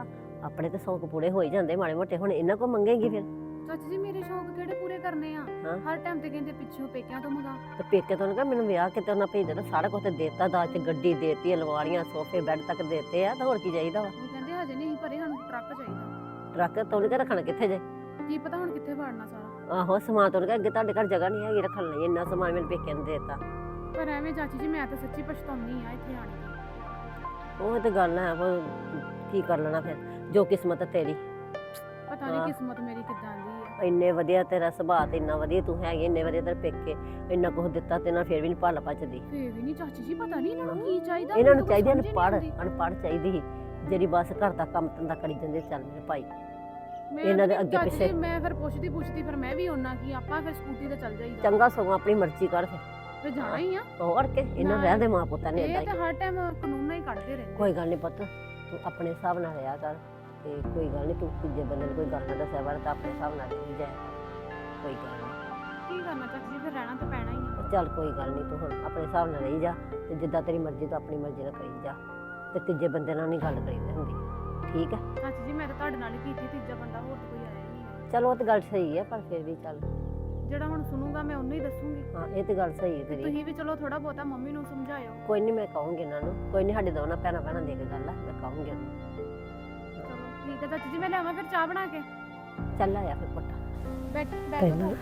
Speaker 5: ਆਪਣੇ ਤੇ ਸ਼ੌਕ ਪੂਰੇ ਹੋ ਹੀ ਜਾਂਦੇ ਮਾੜੇ ਮੋਟੇ, ਹੁਣ ਇਹਨਾਂ ਕੋ ਮੰਗੇਗੀ ਫਿਰ?
Speaker 6: ਚਾਚੀ ਜੀ ਮੇਰੇ ਸ਼ੌਕ ਕਿਹੜੇ ਪੂਰੇ ਕਰਨੇ ਆ?
Speaker 5: ਹਾਂ।
Speaker 6: ਹਰ ਟਾਈਮ ਤੇ ਕਹਿੰਦੇ ਪਿੱਛੋਂ ਪੇਕਿਆਂ ਤੋਂ ਮੰਗਾ।
Speaker 5: ਤੇ ਪੇਕੇ ਤੋਂ ਕਹ ਮੈਨੂੰ ਵਿਆਹ ਕਿਤੇ ਉਹਨਾਂ ਭੇਜ ਦਿੱਤਾ, ਸਾਰਾ ਕੁਝ ਤੇ ਦੇਤਾ, ਦਾਜ ਚ ਗੱਡੀ ਦੇਤੀ, ਅਲਮਾਰੀਆਂ ਸੋਫੇ ਬੈੱਡ ਤੱਕ ਦੇਤੇ ਆ, ਤਾਂ ਹੋਰ ਕੀ ਚਾਹੀਦਾ ਵਾ?
Speaker 6: ਉਹ ਕਹਿੰਦੇ ਹਜੇ ਨਹੀਂ ਭਰੇ, ਸਾਨੂੰ ਟਰੱਕ ਚਾਹੀਦਾ।
Speaker 5: ਟਰੱਕ ਤੋਂ ਨਹੀਂ ਰੱਖਣਾ ਕਿੱਥੇ ਜੇ?
Speaker 6: ਕੀ ਪਤਾ ਹੁਣ ਕਿੱਥੇ ਵਾੜਨਾ ਸਾਰਾ।
Speaker 5: ਆਹੋ ਸਮਾਨ ਤੋਂ ਅੱਗੇ ਤੁਹਾਡੇ ਘਰ ਜਗ੍ਹਾ ਨਹੀਂ ਹੈਗੀ ਰੱਖਣ ਲਈ, ਇੰਨਾ ਸਮਾਨ ਮੇਰੇ ਪੇਕੇ ਨੇ ਦੇਤਾ।
Speaker 6: ਪਰ ਐਵੇਂ ਚਾਚੀ ਜੀ ਮੈਂ ਤਾਂ ਸੱਚੀ ਪਛਤਾਉਂਦੀ ਆ ਇੱਥੇ ਆਣ ਕੇ।
Speaker 5: ਉਹ ਤੇ ਗੱਲ ਹੈ, ਉਹ ਕੀ ਕਰ ਲੈਣਾ ਫਿਰ, ਜੋ ਕਿਸਮਤ ਤੇਰੀ।
Speaker 6: ਪਤਾ ਨਹੀਂ ਕਿਸਮਤ ਮੇਰੀ ਕਿੱਦਾਂ ਦੀ ਆ।
Speaker 5: ਇੰਨੇ ਵਧੀਆ ਤੇਰਾ ਸੁਭਾਅ ਤੇ ਇੰਨਾ ਵਧੀਆ ਤੂੰ ਹੈਗੀ, ਇੰਨੇ ਵਧੀਆ ਤੇਰੇ ਪੇਕੇ, ਇੰਨਾ ਕੁਝ ਦਿੱਤਾ ਤੇ ਨਾ ਫਿਰ ਵੀ ਨਹੀਂ ਭੱਲ ਭੱਜਦੀ।
Speaker 6: ਫੇਰ ਵੀ ਨਹੀਂ ਚਾਚੀ ਜੀ, ਪਤਾ ਨਹੀਂ ਇਹਨਾਂ ਨੂੰ ਕੀ ਚਾਹੀਦਾ।
Speaker 5: ਇਹਨਾਂ ਨੂੰ
Speaker 6: ਮੈਨੂੰ
Speaker 5: ਚਾਹੀਦੀ
Speaker 6: ਸਮਝ ਹੀ ਨਹੀਂ
Speaker 5: ਅਨਪੜ੍ਹ,
Speaker 6: ਆਉਂਦੀ।
Speaker 5: ਅਨਪੜ੍ਹ ਚਾਹੀਦੀ ਸੀ ਜਿਹੜੀ ਬਸ ਘਰ ਦਾ ਕੰਮ ਧੰਦਾ ਕਰੀ ਜਾਂਦੇ, ਚੱਲ ਮੇਰੇ ਭਾਈ
Speaker 6: ਮੈਂ
Speaker 5: ਇਹਨਾਂ ਦੇ
Speaker 6: ਵੀ
Speaker 5: ਅੱਗੇ
Speaker 6: ਚਾਚੀ
Speaker 5: ਪਿੱਛੇ।
Speaker 6: ਜੀ, ਮੈਂ ਫਿਰ ਪੁੱਛਦੀ ਪੁੱਛਦੀ ਫਿਰ ਮੈਂ ਵੀ ਉਹਨਾਂ ਕੀ ਆਪਾਂ ਫਿਰ ਸਕੂਟੀ ਤੇ ਚੱਲ ਜਾਈਦਾ।
Speaker 5: ਚੰਗਾ ਸਗੋਂ ਆਪਣੀ ਮਰਜ਼ੀ ਕਰ ਫਿਰ,
Speaker 6: ਫਿਰ ਜਾਣਾ ਹੀ ਆ।
Speaker 5: ਹੋਰ ਕੇ ਇਹਨਾਂ
Speaker 6: ਨਾ,
Speaker 5: ਰਹਿੰਦੇ ਮਾਂ ਪੁੱਤਾਂ ਨੇ
Speaker 6: ਇਹ
Speaker 5: ਏਦਾਂ
Speaker 6: ਤਾਂ
Speaker 5: ਹੀ।
Speaker 6: ਹਰ ਟਾਈਮ ਕਾਨੂੰਨ ਨਾਲ ਹੀ ਕੱਢਦੇ ਰਹਿੰਦੇ।
Speaker 5: ਕੋਈ ਗੱਲ ਨਹੀਂ ਪੁੱਤ, ਤੂੰ ਆਪਣੇ ਹਿਸਾਬ ਨਾਲ ਰਿਹਾ ਕਰ, ਤੇ ਕੋਈ ਗੱਲ ਨਹੀਂ, ਤੂੰ ਤੀਜੇ ਬੰਦੇ ਨੂੰ ਕੋਈ ਗੱਲ ਨਾ ਦੱਸਿਆ ਵਰ, ਤਾਂ ਆਪਣੇ ਹਿਸਾਬ ਨਾਲ ਰਹੀ ਜਾਇਆ ਕਰ, ਕੋਈ ਗੱਲ ਨਹੀਂ।
Speaker 6: ਕੀ ਕਰਨਾ ਚਾਚੀ ਜੀ, ਫਿਰ ਰਹਿਣਾ ਤਾਂ ਪੈਣਾ ਹੀ ਆ।
Speaker 5: ਚੱਲ ਕੋਈ ਗੱਲ ਨਹੀਂ, ਤੂੰ ਹੁਣ ਆਪਣੇ ਹਿਸਾਬ ਨਾਲ ਰਹੀ ਜਾ, ਤੇ ਜਿੱਦਾਂ ਤੇਰੀ ਮਰਜ਼ੀ ਤੂੰ ਆਪਣੀ ਮਰਜ਼ੀ ਨਾਲ ਕਰੀ ਜਾ, ਤੇ ਤੀਜੇ ਬੰਦੇ ਨਾਲ ਨਹੀਂ ਗੱਲ ਕਰੀਦੀ ਹੁੰਦੀ, ਠੀਕ ਹੈ?
Speaker 6: ਚਾਚੀ ਜੀ ਮੈਂ ਤਾਂ ਤੁਹਾਡੇ ਨਾਲ ਹੀ ਕੀਤੀ, ਤੀਜਾ ਬੰਦਾ ਹੋਰ ਤਾਂ ਕੋਈ ਆਇਆ ਹੀ ਨਹੀਂ।
Speaker 5: ਚਲੋ ਉਹ ਤਾਂ ਗੱਲ ਸਹੀ ਹੈ, ਪਰ ਫਿਰ ਵੀ ਚੱਲ,
Speaker 6: ਜਿਹੜਾ ਹੁਣ ਸੁਣੂਗਾ ਮੈਂ ਉਹਨੂੰ ਹੀ ਦੱਸੂਗੀ।
Speaker 5: ਹਾਂ ਇਹ ਤੇ ਗੱਲ ਸਹੀ ਹੈ ਤੇਰੀ।
Speaker 6: ਤੁਸੀਂ ਵੀ ਚਲੋ ਥੋੜਾ ਬਹੁਤਾ ਮੰਮੀ ਨੂੰ ਸਮਝਾਇਓ।
Speaker 5: ਕੋਈ ਨਹੀਂ, ਮੈਂ ਕਹੂੰਗੀ ਇਹਨਾਂ ਨੂੰ, ਕੋਈ ਨਹੀਂ, ਸਾਡੇ ਦੋਨਾਂ ਭੈਣਾਂ ਭੈਣਾਂ ਦੀ ਇੱਕ ਗੱਲ ਆ, ਮੈਂ ਕਹੂੰਗੀ ਉਹਨੂੰ।
Speaker 6: ਚਲੋ ਠੀਕ ਹੈ ਚਾਚੀ ਜੀ, ਮੈਂ ਲਿਆਵਾਂ ਫਿਰ ਚਾਹ ਬਣਾ ਕੇ?
Speaker 5: ਚੱਲ ਆਇਆ ਫਿਰ ਪੁੱਤ।
Speaker 6: ਬੈਠ ਬੈਠੋ।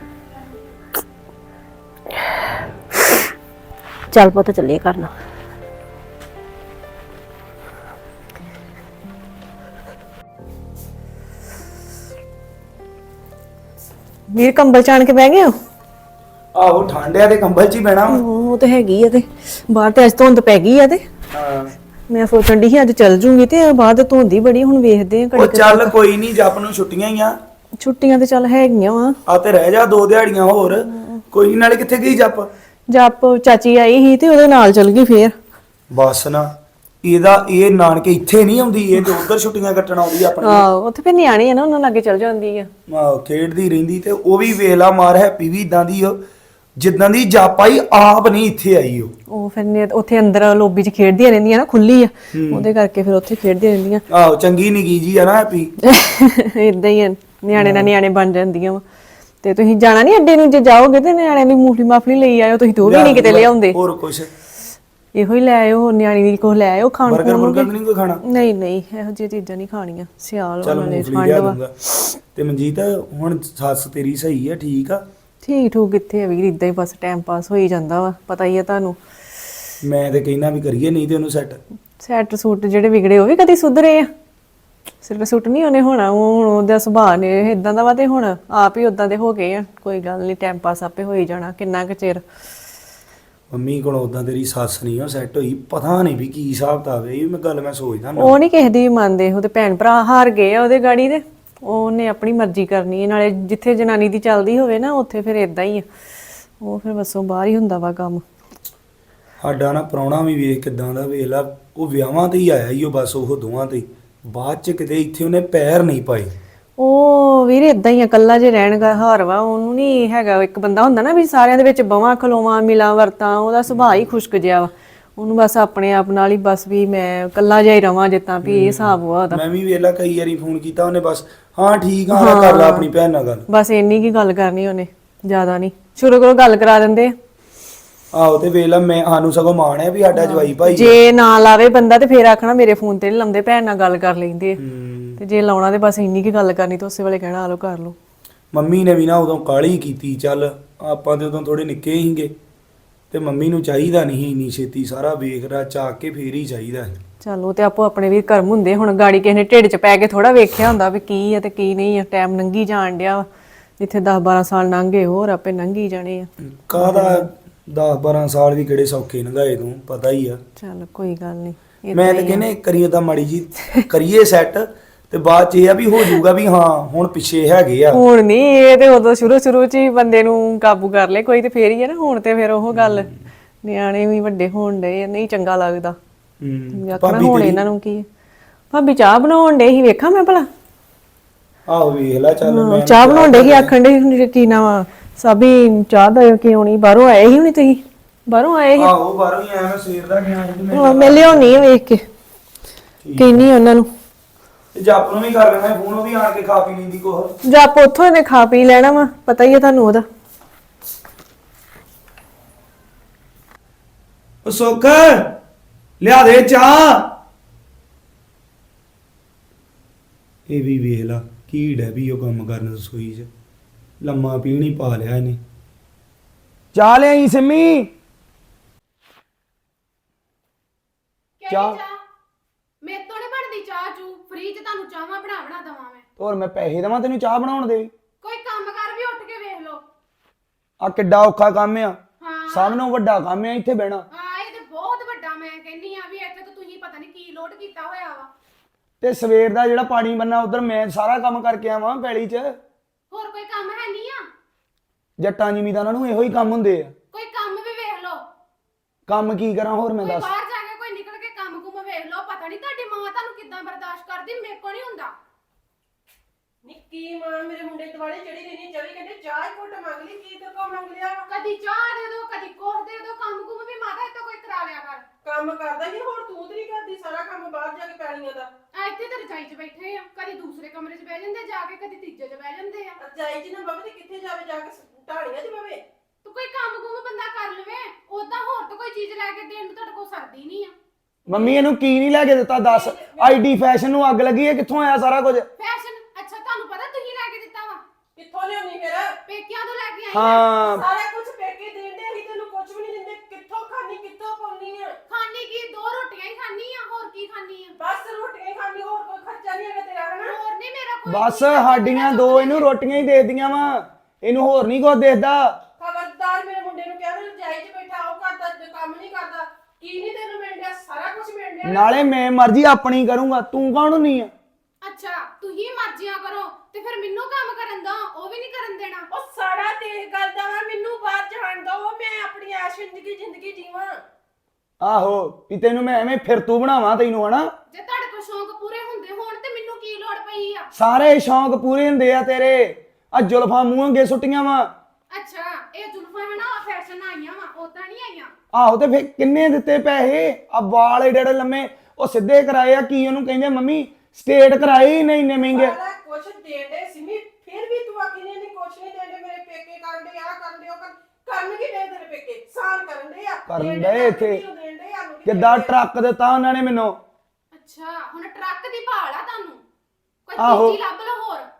Speaker 5: ਚੱਲ ਪੁੱਤ ਚੱਲੀਏ ਕਰਨਾ।
Speaker 1: ਵੀਰ ਕੰਬਲ ਚਾਣ ਕੇ ਬਹਿ ਗਏ ਹੋ?
Speaker 7: ਆਹੋ ਠੰਡਿਆ ਤੇ ਕੰਬਲ ਚ ਹੀ ਬਹਿਣਾ ਵਾ।
Speaker 1: ਉਹ ਤੇ ਹੈਗੀ ਆ, ਤੇ ਬਾਹਰ ਤੇ ਅੱਜ ਧੁੰਦ ਪੈ ਗਈ ਆ, ਤੇ
Speaker 7: ਹਾਂ
Speaker 1: ਮੈਂ ਸੋਚਣ ਦੀ ਸੀ ਅੱਜ ਚੱਲ ਜੂੰਗੀ, ਤੇ ਬਾਅਦ ਧੁੰਦੀ ਬੜੀ, ਹੁਣ ਵੇਖਦੇ ਆ
Speaker 7: ਉਹ ਚੱਲ ਕੋਈ ਨਹੀਂ, ਜੱਪ ਨੂੰ ਛੁੱਟੀਆਂ ਹੀ ਆ।
Speaker 1: ਛੁੱਟੀਆਂ ਤੇ ਚੱਲ ਹੈਗੀਆਂ ਵਾ।
Speaker 7: ਆ ਤੇ ਰਹਿ ਜਾ ਦੋ ਦਿਹਾੜੀਆਂ ਹੋਰ, ਕੋਈ ਨੀ। ਨਾਲੇ ਕਿੱਥੇ ਗਈ ਜੱਪ?
Speaker 1: ਜੱਪ ਚਾਚੀ ਆਈ ਸੀ ਤੇ ਉਹਦੇ ਨਾਲ ਚਲ ਗਈ ਫੇਰ।
Speaker 7: ਬਸ ਨਾ, ਇਹਦਾ ਇਹ ਨਾਨਕੇ ਇੱਥੇ ਨਹੀਂ ਆਉਂਦੀ, ਇਹ ਤੇ ਉਧਰ ਛੁੱਟੀਆਂ ਕੱਟਣ ਆਉਂਦੀ ਆਪਣੀ।
Speaker 1: ਆਹੋ ਉੱਥੇ ਫੇਰ ਨਿਆਣੇ ਆ ਨਾ, ਉਹਨਾਂ ਲਾਗੇ ਚਲ ਜਾਂਦੀ ਆ।
Speaker 7: ਆਹੋ ਖੇਡਦੀ ਰਹਿੰਦੀ, ਤੇ ਉਹ ਵੀ ਵੇਲਾ ਮਾਰ ਹੈਪੀ ਵੀ ਇਦਾਂ ਦੀ ਉਹ, ਜਿੱਦਾਂ ਦੀ ਜੱਪ ਆਈ ਆਪ ਨਹੀਂ ਇੱਥੇ ਆਈ ਉਹ।
Speaker 1: ਉਹ ਫਿਰ ਨੇ ਉੱਥੇ ਅੰਦਰ ਲੋਬੀ 'ਚ ਖੇਡਦੀਆਂ ਰਹਿੰਦੀਆਂ ਨਾ, ਖੁੱਲੀ ਆ, ਉਹਦੇ ਕਰਕੇ ਫਿਰ ਉੱਥੇ ਖੇਡਦੀਆਂ ਰਹਿੰਦੀਆਂ।
Speaker 7: ਆਹੋ ਚੰਗੀ ਨਿੱਕੀ ਜੀ ਆ ਨਾ ਹੈਪੀ।
Speaker 1: ਇਦਾਂ ਹੀ ਆ, ਨਿਆਣੇ ਨਾਲ ਨਿਆਣੇ ਬਣ ਜਾਂਦੀਆਂ ਵਾ। ਤੇ ਤੁਸੀਂ ਜਾਣਾ ਨਹੀਂ ਅੱਡੇ ਨੂੰ? ਜੇ ਜਾਓਗੇ ਤੇ ਨਿਆਣਿਆਂ ਦੀ ਮੂਫਲੀ ਮਾਫਲੀ ਲਈ ਆਇਓ, ਤੁਸੀਂ ਤੇ ਉਹ ਵੀ ਨਹੀਂ ਕਿਤੇ ਲਿਆਉਂਦੇ।
Speaker 7: ਹੋਰ ਕੁਛ
Speaker 1: ਇਹੋ ਹੀ ਲੈ ਆਇਓ, ਹੋਰ ਨਿਆਣੀ ਦੀ ਕੁਛ ਲੈ ਆਇਓ ਖਾਣ
Speaker 7: ਬਰਗਰ
Speaker 1: ਨੂੰ।
Speaker 7: ਬਰਗਰ ਨਹੀਂ ਕੋਈ ਖਾਣਾ?
Speaker 1: ਨਹੀਂ ਨਹੀਂ, ਇਹੋ ਜਿਹੀਆਂ ਚੀਜ਼ਾਂ ਨਹੀਂ ਖਾਣੀਆਂ, ਸਿਆਲ
Speaker 7: ਚੱਲ
Speaker 1: ਵਾਲੇ
Speaker 7: ਮੂੰਗਫਲੀ
Speaker 1: ਠੰਡ
Speaker 7: ਲਿਆ
Speaker 1: ਵਾ।
Speaker 7: ਦੂੰਗਾ। ਤੇ ਮਨਜੀਤ ਹੁਣ ਸੱਸ ਤੇਰੀ ਸਹੀ ਆ, ਠੀਕ ਆ?
Speaker 1: ਠੀਕ ਠੂਕ ਕਿੱਥੇ ਆ ਵੀਰ, ਇਦਾਂ ਹੀ ਬਸ ਟਾਈਮ ਪਾਸ ਹੋਈ ਜਾਂਦਾ ਵਾ, ਪਤਾ ਹੀ ਆ ਤੁਹਾਨੂੰ।
Speaker 7: ਮੈਂ ਤੇ ਕਹਿਣਾ ਵੀ ਕਰੀਏ, ਨਹੀਂ ਤੇ ਉਹਨੂੰ ਸੈੱਟ।
Speaker 1: ਸੈਟ ਸੂਟ ਜਿਹੜੇ ਵਿਗੜੇ ਉਹ ਵੀ ਕਦੀ ਸੁਧਰੇ ਆ? ਸਿਰ ਸੂਟ ਨਹੀਂ ਉਹਨੇ ਹੋਣਾ, ਉਹ ਹੁਣ ਉਹਦਾ ਸੁਭਾਅ ਨੇ ਇਦਾਂ ਦਾ ਵਾ, ਤੇ ਹੁਣ ਆਪ ਹੀ ਉਦਾਂ ਦੇ ਹੋ ਗਏ ਆ। ਕੋਈ ਗੱਲ ਨਹੀਂ, ਟਾਈਮ ਪਾਸ ਆਪੇ ਹੋਈ ਜਾਣਾ, ਕਿੰਨਾ ਕੁ ਚਿਰ।
Speaker 7: ਮੰਮੀ ਕੋਲ ਉਦਾਂ ਤੇਰੀ ਸੱਸ ਨਹੀਂ ਉਹ ਸੈੱਟ ਹੋਈ, ਪਤਾ ਨਹੀਂ ਵੀ ਕੀ ਹਿਸਾਬ ਤਾਂ ਵੇ। ਇਹ ਮੈਂ ਗੱਲ ਮੈਂ ਸੋਚਦਾ ਨਾ।
Speaker 1: ਉਹ ਨਹੀਂ ਕਿਸੇ ਦੀ ਵੀ ਮੰਨਦੇ, ਉਹਦੇ ਭੈਣ ਭਰਾ ਹਾਰ ਗਏ ਆ ਉਹਦੇ ਗਾੜੀ ਦੇ, ਉਹਨੇ ਆਪਣੀ ਮਰਜ਼ੀ ਕਰਨੀ ਹੈ। ਨਾਲੇ ਜਿੱਥੇ ਜਨਾਨੀ ਦੀ ਚੱਲਦੀ ਹੋਵੇ ਨਾ, ਉੱਥੇ ਫਿਰ ਇਦਾਂ ਹੀ ਆ, ਉਹ ਫਿਰ ਬਸੋਂ ਬਾਹਰ ਹੀ ਹੁੰਦਾ ਵਾ ਕੰਮ।
Speaker 7: ਸਾਡਾ ਨਾ ਪ੍ਰਾਹੁਣਾ ਵੀ ਵੇਖ ਕਿਦਾਂ ਦਾ, ਵੇਖ ਲਾ, ਉਹ ਵਿਆਹਾਂ ਤੇ ਹੀ ਆਇਆ ਹੀ ਉਹ, ਬਸ ਉਹ ਦੋਵਾਂ ਤੇ, ਬਾਅਦ ਚ ਕਿਤੇ ਇੱਥੇ ਉਹਨੇ ਪੈਰ ਨਹੀਂ ਪਾਏ।
Speaker 1: ਉਹ ਵੀਰ ਇਦਾਂ ਹੀ ਆ, ਇਕੱਲਾ ਜੇ ਰਹਿਣ ਦਾ ਹਾਰ ਵਾ ਉਹਨੂੰ। ਨਹੀਂ ਹੈਗਾ, ਇੱਕ ਬੰਦਾ ਹੁੰਦਾ ਨਾ ਵੀ ਸਾਰਿਆਂ ਦੇ ਵਿੱਚ ਬਵਾਂ ਖਲੋਵਾਂ ਮਿਲਾਂ ਵਰਤਾਂ, ਉਹਦਾ ਸੁਭਾਅ ਹੀ ਖੁਸ਼ਕ ਜਿਹਾ ਵਾ। ਉਹਨੂੰ ਬਸ ਆਪਣੇ ਆਪ ਨਾਲ ਹੀ ਬਸ ਵੀ ਮੈਂ ਇਕੱਲਾ ਜਿਹਾ ਹੀ ਰਵਾਂ, ਜਿੱਦਾਂ ਵੀ ਇਹ ਹਿਸਾਬ ਵਾ ਉਹਦਾ।
Speaker 7: ਮੈਂ ਵੀ ਵੇਲਾ ਕਈ ਵਾਰੀ ਫੋਨ ਕੀਤਾ ਉਹਨੇ, ਬਸ ਹਾਂ ਠੀਕ ਆ ਕਰ ਲਾ ਆਪਣੀ ਭੈਣ ਨਾਲ ਗੱਲ।
Speaker 1: ਬਸ ਇੰਨੀ ਕੀ ਗੱਲ ਕਰਨੀ ਉਹਨੇ, ਜ਼ਿਆਦਾ ਨਹੀਂ। ਸ਼ੁਰੂ ਕਰੋ ਗੱਲ ਕਰਾ ਦਿੰਦੇ ਆ।
Speaker 7: ਆਹੋ ਤੇ ਵੇਲਾ ਮੈਂ ਸਾਨੂੰ ਸਗੋਂ ਮਾਣ ਹੈ ਵੀ ਸਾਡਾ ਜਵਾਈ ਭਾਈ।
Speaker 1: ਜੇ ਨਾ ਲਾਵੇ ਬੰਦਾ ਤੇ ਫੇਰ ਆਖਣਾ ਮੇਰੇ ਫੋਨ ਤੇ ਨਹੀਂ ਲਾਉਂਦੇ, ਭੈਣ ਨਾਲ ਗੱਲ ਕਰ ਲੈਂਦੇ ਆ।
Speaker 7: ਹੂੰ।
Speaker 1: ਤੇ ਜੇ ਲਾਉਣਾ ਤੇ ਬਸ ਇੰਨੀ ਕੀ ਗੱਲ ਕਰਨੀ, ਤੇ ਉਸੇ ਵੇਲੇ ਕਹਿਣਾ ਆ ਲੋ ਕਰ ਲੋ।
Speaker 7: ਮੰਮੀ ਨੇ ਵੀ ਨਾ ਉਦੋਂ ਕਾਹਲੀ ਕੀਤੀ, ਚੱਲ ਆਪਾਂ ਤੇ ਉਦੋਂ ਥੋੜੇ ਨਿੱਕੇ ਹੀਗੇ, ਤੇ ਮੰਮੀ ਨੂੰ ਚਾਹੀਦਾ ਨਹੀਂ ਇੰਨੀ ਛੇਤੀ ਸਾਰਾ ਵੇਖ ਰਾ ਚਾਕ ਕੇ ਫੇਰ ਹੀ ਚਾਹੀਦਾ।
Speaker 1: ਚਲੋ ਤੇ ਆਪੋ ਆਪਣੇ ਵੀ ਕਰਮ ਹੁੰਦੇ, ਹੁਣ ਗਾੜੀ ਕਿਸੇ ਨੇ ਢਿੱਡ 'ਚ ਪੈ ਕੇ ਥੋੜਾ ਵੇਖਿਆ ਹੁੰਦਾ ਵੀ ਕੀ ਆ ਤੇ ਕੀ ਨਹੀਂ ਆ। ਟਾਈਮ ਲੰਘੀ ਜਾਣ ਡਿਆ ਵਾ, ਜਿੱਥੇ ਦਸ ਬਾਰਾਂ ਸਾਲ ਲੰਘੇ ਹੋਰ ਆਪੇ ਲੰਘੀ ਜਾਣੇ ਆ।
Speaker 7: ਕਾਹਦਾ ਦਸ ਬਾਰਾਂ ਸਾਲ ਵੀ ਕਿਹੜੇ ਸੌਖੇ ਲੰਘਾਏ, ਤੂੰ ਪਤਾ ਹੀ ਆ।
Speaker 1: ਚੱਲ ਕੋਈ ਗੱਲ ਨਹੀਂ।
Speaker 7: ਮੈਂ ਤਾਂ ਕਹਿੰਨੇ ਕਰੀਏ ਤਾਂ ਮਾੜੀ ਜੀ ਕਰੀਏ ਸੈੱਟ, ਤੇ ਬਾਅਦ ਚ ਇਹ ਆ ਵੀ ਹੋ ਜਾਊਗਾ ਵੀ ਹਾਂ ਹੁਣ ਪਿੱਛੇ ਹੈਗੇ ਆ।
Speaker 1: ਹੁਣ ਨਹੀਂ, ਇਹ ਤੇ ਉਦੋਂ ਸ਼ੁਰੂ ਸ਼ੁਰੂ 'ਚ ਹੀ ਬੰਦੇ ਨੂੰ ਕਾਬੂ ਕਰ ਲੇ ਕੋਈ, ਤੇ ਫੇਰ ਹੀ ਆ ਨਾ। ਹੁਣ ਤੇ ਫਿਰ ਉਹ ਗੱਲ, ਨਿਆਣੇ ਵੀ ਵੱਡੇ ਹੋਣ ਡਏ, ਨਹੀਂ ਚੰਗਾ ਲੱਗਦਾ।
Speaker 7: ਹੂੰ।
Speaker 1: ਆਖਣਾ ਹੁਣ ਇਹਨਾਂ ਨੂੰ ਕੀ। ਭਾਬੀ ਚਾਹ ਬਣਾਉਣ ਡੇ ਸੀ, ਵੇਖਾਂ ਮੈਂ ਭਲਾ?
Speaker 7: ਆਹੋ ਵੇਖ ਲੈ, ਚੱਲ ਮੈਂ
Speaker 1: ਚਾਹ ਬਣਾਉਣ ਡੇ ਸੀ, ਆਖਣ ਡੇ ਕੀ ਨਾ ਸਾਬੀ ਚਾਹ ਦਾ ਕਿਉਂ ਨਹੀਂ, ਬਾਹਰੋਂ ਆਏ ਸੀ ਹੁਣੀ? ਤੁਸੀਂ ਬਾਹਰੋਂ ਆਏ ਸੀ?
Speaker 7: ਆਹੋ ਬਾਹਰੋਂ ਹੀ ਆਇਆ, ਮੈਂ ਸਵੇਰ ਦਾ ਗਿਆ ਸੀ ਤੇ ਮੈਂ
Speaker 1: ਹਾਂ, ਮੈਂ ਲਿਆਉਣੀ ਆ ਵੇਖ ਕੇ, ਕਹਿੰਨੀ ਉਹਨਾਂ ਨੂੰ।
Speaker 7: ਤੇ ਜੱਪ ਨੂੰ ਵੀ ਕਰ ਲੈਣਾ ਫੋਨ, ਉਹ ਵੀ ਆਣ ਕੇ ਖਾ ਪੀ ਲੈਂਦੀ ਕੁਛ।
Speaker 1: ਜੱਪ ਉੱਥੋਂ ਇਹਨੇ ਖਾ ਪੀ ਲੈਣਾ ਵਾ, ਪਤਾ ਹੀ ਆ ਤੁਹਾਨੂੰ ਉਹਦਾ।
Speaker 7: ਉਹ ਸੁੱਖ ਲਿਆ ਦੇ ਚਾਹ। ਇਹ ਵੀ ਵੇਖ ਲਾ ਕੀ ਡੇ ਵੀ ਉਹ ਕੰਮ ਕਰਨ ਰਸੋਈ 'ਚ, ਲੰਮਾ ਪੀਣੀ ਪਾ ਲਿਆ ਇਹਨੇ। ਚਾਹ ਲਿਆਈ ਸਿੰਮੀ। ਚਾਹ
Speaker 6: ਮੇਰੇ ਤੋਂ ਨਹੀਂ ਬਣਦੀ ਚਾਹ ਚੂ, ਫ੍ਰੀ ਚ ਤੁਹਾਨੂੰ ਚਾਹਾਂ ਬਣਾ ਬਣਾ ਦਵਾਂ ਮੈਂ।
Speaker 7: ਹੋਰ ਮੈਂ ਪੈਸੇ ਦੇਵਾਂ ਤੈਨੂੰ ਚਾਹ ਬਣਾਉਣ ਦੇ?
Speaker 6: ਕੋਈ ਕੰਮ ਕਰ ਵੀ ਉੱਠ ਕੇ ਵੇਖ ਲਓ।
Speaker 7: ਆ ਕਿੱਡਾ ਔਖਾ ਕੰਮ ਆ,
Speaker 6: ਹਾਂ
Speaker 7: ਸਭ ਨੂੰ ਵੱਡਾ ਕੰਮ ਆ ਇੱਥੇ ਬਹਿਣਾ।
Speaker 6: ਹਾਂ ਇਹ ਤੇ ਬਹੁਤ ਵੱਡਾ, ਮੈਂ ਕਹਿੰਨੀ ਆ ਵੀ ਇੱਥੇ ਤਾਂ ਤੁਸੀਂ ਪਤਾ ਨਹੀਂ ਕੀ ਲੋਡ ਕੀਤਾ ਹੋਇਆ ਵਾ।
Speaker 7: ਤੇ ਸਵੇਰ ਦਾ ਜਿਹੜਾ ਪਾਣੀ ਬੰਨਾ ਉਧਰ ਮੈਂ ਸਾਰਾ ਕੰਮ ਕਰਕੇ ਆਵਾਂ ਪੈਲੀ 'ਚ।
Speaker 6: ਹੋਰ ਕੋਈ ਕੰਮ ਹੈ ਨਹੀਂ ਆ?
Speaker 7: ਜੱਟਾਂ ਜ਼ਿਮੀਂਦਾਰਾਂ ਨੂੰ ਇਹੋ ਹੀ ਕੰਮ ਹੁੰਦੇ ਆ।
Speaker 6: ਕੋਈ ਕੰਮ ਵੀ ਵੇਖ ਲਓ।
Speaker 7: ਕੰਮ ਕੀ ਕਰਾਂ ਹੋਰ ਮੈਂ
Speaker 6: ਕੋਈ
Speaker 7: ਦੱਸ।
Speaker 6: ਬਾਹਰ ਜਾ ਕੇ ਕੋਈ ਨਿਕਲ ਕੇ ਕੰਮ ਕੁਮ ਵੇਖ ਲਓ। ਪਤਾ ਨਹੀਂ ਤੁਹਾਡੀ ਮਾਂ ਤੁਹਾਨੂੰ ਕਿੱਦਾਂ ਬਰਦਾਸ਼ਤ ਕਰਦੀ, ਮੇਰੇ ਕੋ ਨਹੀਂ ਹੁੰਦਾ।
Speaker 2: ਨਿੱਕੀ ਮਾਂ ਮੇਰੇ ਮੁੰਡੇ ਦੁਆਲੇ ਚੜੀ ਰਹਿਣੀ, ਚੌਵੀ ਘੰਟੇ ਚਾਹ ਹੀ ਘੁੱਟ ਮੰਗ ਲਈ, ਕੀ ਤੇ ਕੋ ਮੰਗ ਲਿਆ ਵਾ?
Speaker 6: ਕਦੀ ਚਾਹ ਦੇ ਦੋ, ਕਦੀ ਕੋਹ ਦੇ ਦੋ, ਕੰਮ ਕੁਮ ਵੀ ਮਾਤਾ ਇੱਥੇ ਕੋਈ ਕਰਾ ਲਿਆ ਕਰ।
Speaker 2: ਕੰਮ ਕਰਦਾ ਹੀ ਹੋਰ ਤੂੰ ਤੇ ਨਹੀਂ ਕਰਦੀ ਸਾਰਾ ਕੰਮ ਬਾਹਰ ਜਾ ਕੇ ਪੈਲੀਆਂ ਦਾ।
Speaker 6: ਆ ਇੱਥੇ ਤੇ ਰਜਾਈ 'ਚ ਬੈਠੇ ਆ, ਕਦੀ ਦੂਸਰੇ ਕਮਰੇ 'ਚ ਬਹਿ ਜਾਂਦੇ ਜਾ ਕੇ, ਕਦੀ ਤੀਜੇ 'ਚ ਬਹਿ ਜਾਂਦੇ ਆ।
Speaker 2: ਰਜਾਈ ਚ ਨਾ ਬਵੇ ਤੇ ਕਿੱਥੇ ਜਾਵੇ ਜਾ ਕੇ, ਢਾਣੀਆਂ 'ਚ ਬਵੇ।
Speaker 6: ਤੂੰ ਕੋਈ ਕੰਮ ਕੁਮ ਬੰਦਾ ਕਰ ਲਵੇ, ਉਦਾਂ ਹੋਰ ਤਾਂ ਕੋਈ ਚੀਜ਼ ਲੈ ਕੇ ਦੇਣ ਨੂੰ ਤੁਹਾਡੇ ਕੋਲ ਸਰਦੀ ਨਹੀਂ ਆ।
Speaker 7: ਮੰਮੀ ਇਹਨੂੰ ਕੀ ਨਹੀਂ ਲੈ ਕੇ ਦਿੱਤਾ ਦੱਸ। ਆਈਡੀ ਫੈਸ਼ਨ ਨੂੰ ਅੱਗ ਲੱਗੀ ਹੈ, ਕਿੱਥੋਂ ਆਇਆ ਸਾਰਾ ਕੁਝ?
Speaker 6: ਫੈਸ਼ਨ ਅੱਛਾ ਤੁਹਾਨੂੰ ਪਤਾ ਤੁਸੀਂ ਲੈ ਕੇ ਦਿੱਤਾ ਵਾ?
Speaker 2: ਕਿੱਥੋਂ ਲਿਆਉਣੀ ਫਿਰ?
Speaker 6: ਪੇਕਿਆਂ ਤੋਂ ਲੈ ਕੇ ਆਈ ਆ।
Speaker 7: ਹਾਂ
Speaker 2: ਸਾਰਾ ਕੁਝ ਪੇਕੇ ਦੇਣ ਦੇ, ਅਸੀਂ ਤੈਨੂੰ ਕੁਝ ਵੀ ਨਹੀਂ ਦਿੰਦੇ। ਕਿੱਥੋਂ ਖਾਣੀ, ਕਿੱਥੋਂ ਪਾਉਣੀ ਆ?
Speaker 6: ਖਾਣੀ ਕੀ, ਦੋ ਰੋਟੀਆਂ ਹੀ ਖਾਣੀ ਆ, ਹੋਰ ਕੀ ਖਾਣੀ ਆ?
Speaker 2: ਬਸ ਰੋਟੀਆਂ ਹੀ ਖਾਣੀ, ਹੋਰ ਕੋਈ ਖਰਚਾ ਨਹੀਂ ਹੈਗਾ ਤੇਰਾ, ਹਨਾ?
Speaker 6: ਹੋਰ ਨਹੀਂ ਮੇਰਾ ਕੋਈ।
Speaker 7: ਬਸ ਸਾਡੀਆਂ ਦੋ ਇਹਨੂੰ ਰੋਟੀਆਂ ਹੀ ਦੇ ਦਿੱਤੀਆਂ ਵਾ, ਇਹਨੂੰ ਹੋਰ ਨਹੀਂ ਕੁਝ ਦੇਖਦਾ।
Speaker 2: ਖਬਰਦਾਰ ਮੇਰੇ ਮੁੰਡੇ ਨੂੰ ਕਹਿ ਰਿਹਾ ਰਜਾਈ 'ਚ ਬੈਠਾ, ਉਹ ਕਰਦਾ ਤੇ ਕੰਮ ਨਹੀਂ ਕਰਦਾ। ਕੀ ਨਹੀਂ ਤੈਨੂੰ ਮਿਲ ਰਿਹਾ? ਸਾਰਾ ਕੁਝ ਮਿਲ ਰਿਹਾ।
Speaker 7: ਨਾਲੇ ਮੈਂ ਮਰਜ਼ੀ ਆਪਣੀ ਕਰੂੰਗਾ, ਤੂੰ ਕੌਣ ਨਹੀਂ ਆ?
Speaker 6: ਅੱਛਾ ਤੁਸੀਂ ਮਰਜ਼ੀਆਂ ਕਰੋ ਤੇ ਫਿਰ ਮੈਨੂੰ ਕੰਮ ਕਰਨ ਦਾ ਉਹ ਵੀ ਨਹੀਂ ਕਰਨ ਦੇਣਾ।
Speaker 2: ਉਹ ਸਾੜਾ ਤੇਰੇ ਗੱਲ ਦਾ ਵਾ, ਮੈਨੂੰ ਬਾਹਰ ਜਾਣ ਦੋ, ਮੈਂ ਆਪਣੀ ਐਸ਼ ਜ਼ਿੰਦਗੀ ਜ਼ਿੰਦਗੀ ਜੀਵਾਂ।
Speaker 7: ਆਹੋ ਵੀ ਤੈਨੂੰ ਮੈਂ ਐਵੇਂ ਫਿਰ ਤੂੰ ਬਣਾਵਾਂ ਤੈਨੂੰ, ਹਨਾ?
Speaker 6: ਜੇ ਤੁਹਾਡੇ ਕੋਲ ਸ਼ੌਂਕ ਪੂਰੇ ਹੁੰਦੇ ਹੋਣ ਤੇ ਮੈਨੂੰ ਕੀ ਲੋੜ ਪਈ ਆ?
Speaker 7: ਸਾਰੇ ਸ਼ੌਂਕ ਪੂਰੇ ਹੁੰਦੇ ਆ ਤੇਰੇ। ਆ ਜ਼ੁਲਫਾਂ ਮੂੰਹ ਅੱਗੇ ਸੁੱਟੀਆਂ ਵਾ।
Speaker 6: ਅੱਛਾ ਇਹ ਜ਼ੁਲਫਾਂ ਹਨਾ ਫੈਸ਼ਨ ਆਈਆਂ ਵਾ, ਉਦਾਂ ਨਹੀਂ ਆਈਆਂ।
Speaker 7: ਆਹੋ ਤੇ ਫਿਰ ਕਿੰਨੇ ਦਿੱਤੇ ਪੈਸੇ? ਆ ਵਾਲ ਏਡੇ ਏਡੇ ਲੰਮੇ ਉਹ ਸਿੱਧੇ ਕਰਾਏ ਆ, ਕੀ ਉਹਨੂੰ ਕਹਿੰਦੇ ਮੰਮੀ ਸਟੇਟ ਕਰਾਏ ਹੀ ਨਹੀਂ ਇੰਨੇ ਮਹਿੰਗੇ।
Speaker 2: ਸਾਰਾ ਕੁਝ ਦੇਣ ਦੇ ਸਿਮੀ, ਫਿਰ ਵੀ ਤੂੰ ਆਖੀ ਨਹੀਂ ਨਹੀਂ ਕੁਝ ਨਹੀਂ ਦੇਂਦੇ। ਮੇਰੇ ਪੇਕੇ ਕਰਨ ਦੇ ਆ ਕਰਨ ਦੇ ਉਹ ਕਰਨ ਕਰਨ ਕੀ ਦੇ ਤੇਰੇ ਪੇਕੇ? ਸਾਨ ਕਰਨ ਦੇ ਆ,
Speaker 7: ਕਰਨ ਦੇ ਇੱਥੇ
Speaker 2: ਦੇਣ ਦੇ ਆ।
Speaker 7: ਕਿੱਦਾਂ ਟਰੱਕ ਦਿੱਤਾ ਉਹਨਾਂ ਨੇ ਮੈਨੂੰ।
Speaker 6: ਅੱਛਾ ਹੁਣ ਟਰੱਕ ਦੀ ਭਾਲ ਆ ਤੁਹਾਨੂੰ? ਕੋਈ
Speaker 7: ਆਹੋ।
Speaker 6: ਚੀਜ਼ ਲੱਭ ਲਓ ਹੋਰ।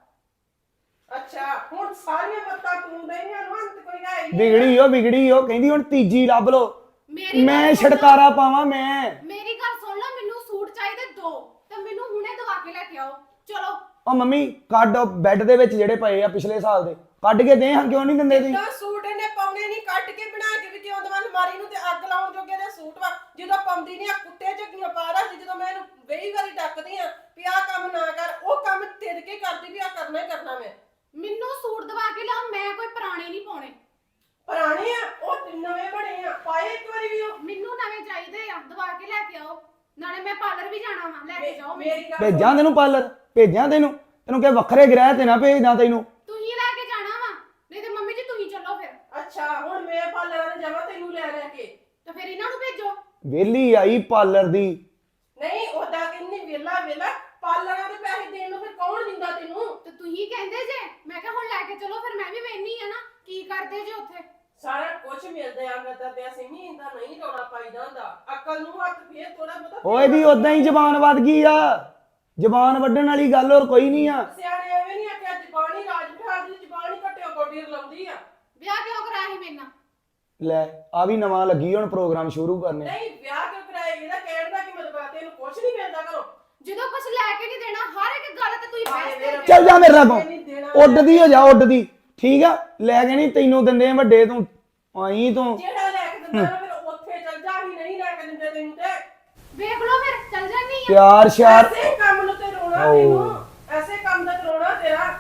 Speaker 2: ਅੱਛਾ ਹੁਣ ਸਾਰੀਆਂ ਮੱਤਾਂ ਤੂੰ ਦੇਈਆਂ ਨੂੰ, ਅੰਤ ਕੋਈ ਹੈ ਹੀ ਨਹੀਂ।
Speaker 7: ਵਿਗੜੀ ਉਹ ਵਿਗੜੀ ਉਹ ਕਹਿੰਦੀ ਹੁਣ ਤੀਜੀ ਲੱਭ ਲੋ।
Speaker 6: ਮੇਰੀ
Speaker 7: ਮੈਂ
Speaker 6: ਗੱਲ ਸੁਣ ਲਓ।
Speaker 7: ਛਟਕਾਰਾ ਪਾਵਾਂ ਮੈਂ?
Speaker 6: ਮੇਰੀ ਗੱਲ ਸੁਣ ਲਓ, ਮੈਨੂੰ ਸੂਟ ਚਾਹੀਦੇ ਦੋ ਤੇ ਮੈਨੂੰ ਹੁਣੇ ਦਵਾ ਕੇ ਲੈ ਕੇ ਆਓ। ਚਲੋ
Speaker 7: ਉਹ ਮੰਮੀ ਕੱਢ ਉਹ ਬੈੱਡ ਦੇ ਵਿੱਚ ਜਿਹੜੇ ਪਏ ਆ ਪਿਛਲੇ ਸਾਲ ਦੇ, ਕੱਢ ਕੇ ਦੇ। ਹਾਂ ਕਿਉਂ ਨਹੀਂ ਦਿੰਦੇ ਤੁਸੀਂ?
Speaker 2: ਤਾਂ ਸੂਟ ਇਹਨੇ ਪਾਉਣੇ ਨਹੀਂ, ਕੱਟ ਕੇ ਬਣਾ ਕੇ ਵੀ ਕਿਉਂ ਦਵਾਂ? ਅਲਮਾਰੀ ਨੂੰ ਤੇ ਅੱਗ ਲਾਉਣ ਜੋਗੇ ਦੇ ਸੂਟ ਵਾ। ਜਦੋਂ ਪਾਉਂਦੀ ਨਹੀਂ ਆ ਕੁੱਤੇ ਝੱਗੀਆਂ ਪਾ ਰੱਖਦੀ, ਜਦੋਂ ਮੈਂ ਇਹਨੂੰ ਕਈ ਵਾਰੀ ਡੱਕਦੀ ਆ ਵੀ ਆਹ ਕੰਮ ਨਾ ਕਰ, ਉਹ ਕੰਮ ਤਿੜ ਕੇ ਕਰਦੀ ਵੀ ਆ ਕਰਨਾ ਹੀ ਕਰਨਾ। ਮੈਂ
Speaker 6: ਮੈਨੂੰ ਸੂਟ ਦਵਾ ਕੇ ਲਿਆਓ, ਮੈਂ ਕੋਈ ਪੁਰਾਣੇ ਨਹੀਂ ਪਾਉਣੇ।
Speaker 2: ਪੁਰਾਣੇ ਆ ਉਹ ਨਵੇਂ ਬਣੇ ਆ, ਪਾਏ ਇੱਕ ਵਾਰੀ ਵੀ ਉਹ।
Speaker 6: ਮੈਨੂੰ ਨਵੇਂ ਚਾਹੀਦੇ ਆ, ਦਵਾ ਕੇ ਲੈ ਕੇ ਆਓ। ਨਾਲੇ ਮੈਂ ਪਾਰਲਰ ਵੀ ਜਾਣਾ ਵਾ, ਲੈ ਕੇ ਜਾਓ ਮੈਨੂੰ।
Speaker 2: ਮੇਰੀ ਗੱਲ
Speaker 7: ਭੇਜਾਂ ਤੈਨੂੰ ਪਾਰਲਰ? ਭੇਜਾਂ ਤੈਨੂੰ? ਤੈਨੂੰ ਕਿ ਵੱਖਰੇ ਗ੍ਰਹਿ ਤੇ ਨਾ ਭੇਜਦਾ ਤੈਨੂੰ?
Speaker 6: ਤੁਸੀਂ ਲੈ ਕੇ ਜਾਣਾ ਵਾ, ਨਹੀਂ ਤੇ ਮੰਮੀ ਜੀ ਤੁਸੀਂ ਚੱਲੋ ਫਿਰ।
Speaker 2: ਅੱਛਾ ਹੁਣ ਮੈਂ ਪਾਰਲਰ ਜਾਵਾਂ ਤੈਨੂੰ ਲੈ ਲੈ ਕੇ?
Speaker 6: ਤੇ ਫਿਰ ਇਹਨਾਂ ਨੂੰ ਭੇਜੋ।
Speaker 7: ਵਿਹਲੀ ਆਈ ਪਾਰਲਰ ਦੀ।
Speaker 2: ਨਹੀਂ ਉਹਦਾ ਕਿੰਨੀ ਵੇਲਾ ਵੇਲਾ ਪਾਰਲਰਾਂ ਦੇ ਪੈਸੇ ਦੇਣ ਨੂੰ ਫਿਰ ਕੌਣ ਦਿੰਦਾ ਤੈਨੂੰ?
Speaker 6: ਤੇ ਤੁਸੀਂ ਕਹਿੰਦੇ ਜੇ, ਮੈਂ ਕਿਹਾ ਹੁਣ ਲੈ ਕੇ ਚਲੋ, ਫਿਰ ਮੈਂ ਵੀ ਵੇਖਣੀ ਆ ਨਾ ਕੀ ਕਰਦੇ ਜੇ ਉੱਥੇ।
Speaker 2: ਸਾਰਾ ਕੁਝ ਮਿਲਦਾ ਆ ਕਰਦਾ ਪਿਆ ਸਿਮੀ, ਇਹਦਾ ਨਹੀਂ ਰੋਣਾ ਪਾਈਦਾ ਹੁੰਦਾ। ਅਕਲ ਨੂੰ ਹੱਥ ਫੇਰ ਥੋੜਾ ਬਹੁਤਾ।
Speaker 7: ਓਏ ਦੀ ਉਦਾਂ ਹੀ ਜ਼ਬਾਨ ਵੱਧ ਗਈ ਆ, ਜ਼ਬਾਨ ਵੱਢਣ ਵਾਲੀ ਗੱਲ ਹੋਰ ਕੋਈ ਨਹੀਂ ਆ।
Speaker 2: ਸਿਆਣੇ ਐਵੇਂ ਨਹੀਂ ਆਖਿਆ ਜ਼ਬਾਨ ਹੀ ਰਾਜ ਬਿਠਾ ਦੀ, ਜ਼ਬਾਨ ਹੀ ਘੱਟਿਓ ਗੋਡੀ ਰਲਾਉਂਦੀ ਆ।
Speaker 6: ਵਿਆਹ ਕਿਉਂ ਕਰਾਇਆ ਸੀ ਮੇਰੇ ਨਾਲ?
Speaker 7: ਲੈ ਆ ਵੀ ਨਵਾਂ ਲੱਗੀ ਹੁਣ ਪ੍ਰੋਗਰਾਮ ਸ਼ੁਰੂ ਕਰਨੇ।
Speaker 2: ਨਹੀਂ ਵਿਆਹ ਕਿਉਂ ਕਰਾਇਆ? ਇਹਦਾ ਕਹਿਣ ਦਾ ਕੀ ਮਤਲਬ ਆ? ਤੈਨੂੰ ਕੁਝ ਨਹੀਂ ਮਿਲਦਾ ਘਰੋਂ?
Speaker 6: ਜਦੋਂ ਕੁਝ ਲੈ ਕੇ ਨਹੀਂ ਦੇਣਾ, ਹਰ ਇੱਕ ਗੱਲ ਤੇ ਤੁਸੀਂ ਬਹਿਸ ਕਰਦੇ
Speaker 7: ਚੱਲ ਜਾ ਮੇਰੇ ਲਾਗੋਂ, ਉੱਡਦੀ ਹੋ ਜਾ ਉੱਡਦੀ, ਠੀਕ ਆ? ਲੈ ਕੇ ਨਹੀਂ ਤੈਨੂੰ ਦਿੰਦੇ ਵੱਡੇ, ਤੂੰ ਆਈ ਤੂੰ।
Speaker 2: ਜਿਹੜਾ ਲੈ ਕੇ ਦਿੰਦਾ ਨਾ ਫਿਰ ਉੱਥੇ ਚੱਲ ਜਾ, ਹੀ ਨਹੀਂ ਲੈ ਕੇ ਦਿੰਦੇ ਤੈਨੂੰ ਤੇ।
Speaker 6: ਵੇਖ ਲਓ ਫਿਰ ਚੱਲ ਜਾਨੀ ਆ।
Speaker 7: ਪਿਆਰ ਸ਼ਿਆਰ
Speaker 2: ਐਸੇ ਕੰਮ ਨੂੰ ਤੇ ਰੋਣਾ ਤੈਨੂੰ, ਐਸੇ ਕੰਮ ਦਾ ਤੇ ਰੋਣਾ ਤੇਰਾ।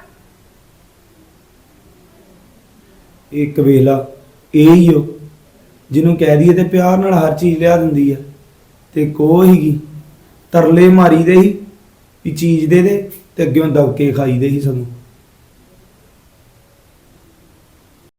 Speaker 7: ਇੱਕ ਵੇਲਾ ਇਹ ਹੀ ਹੋ ਜਿਹਨੂੰ ਕਹਿ ਦਈਏ ਤੇ ਪਿਆਰ ਨਾਲ ਹਰ ਚੀਜ਼ ਲਿਆ ਦਿੰਦੀ ਆ, ਤੇ ਕੋ ਹੀਗੀ ਤਰਲੇ ਮਾਰੀ ਦੇ ਹੀ ਵੀ ਚੀਜ਼ ਦੇ ਦੇ, ਤੇ ਅੱਗਿਓਂ ਦਬਕੇ ਖਾਈ ਦੇ ਹੀ ਸਾਨੂੰ।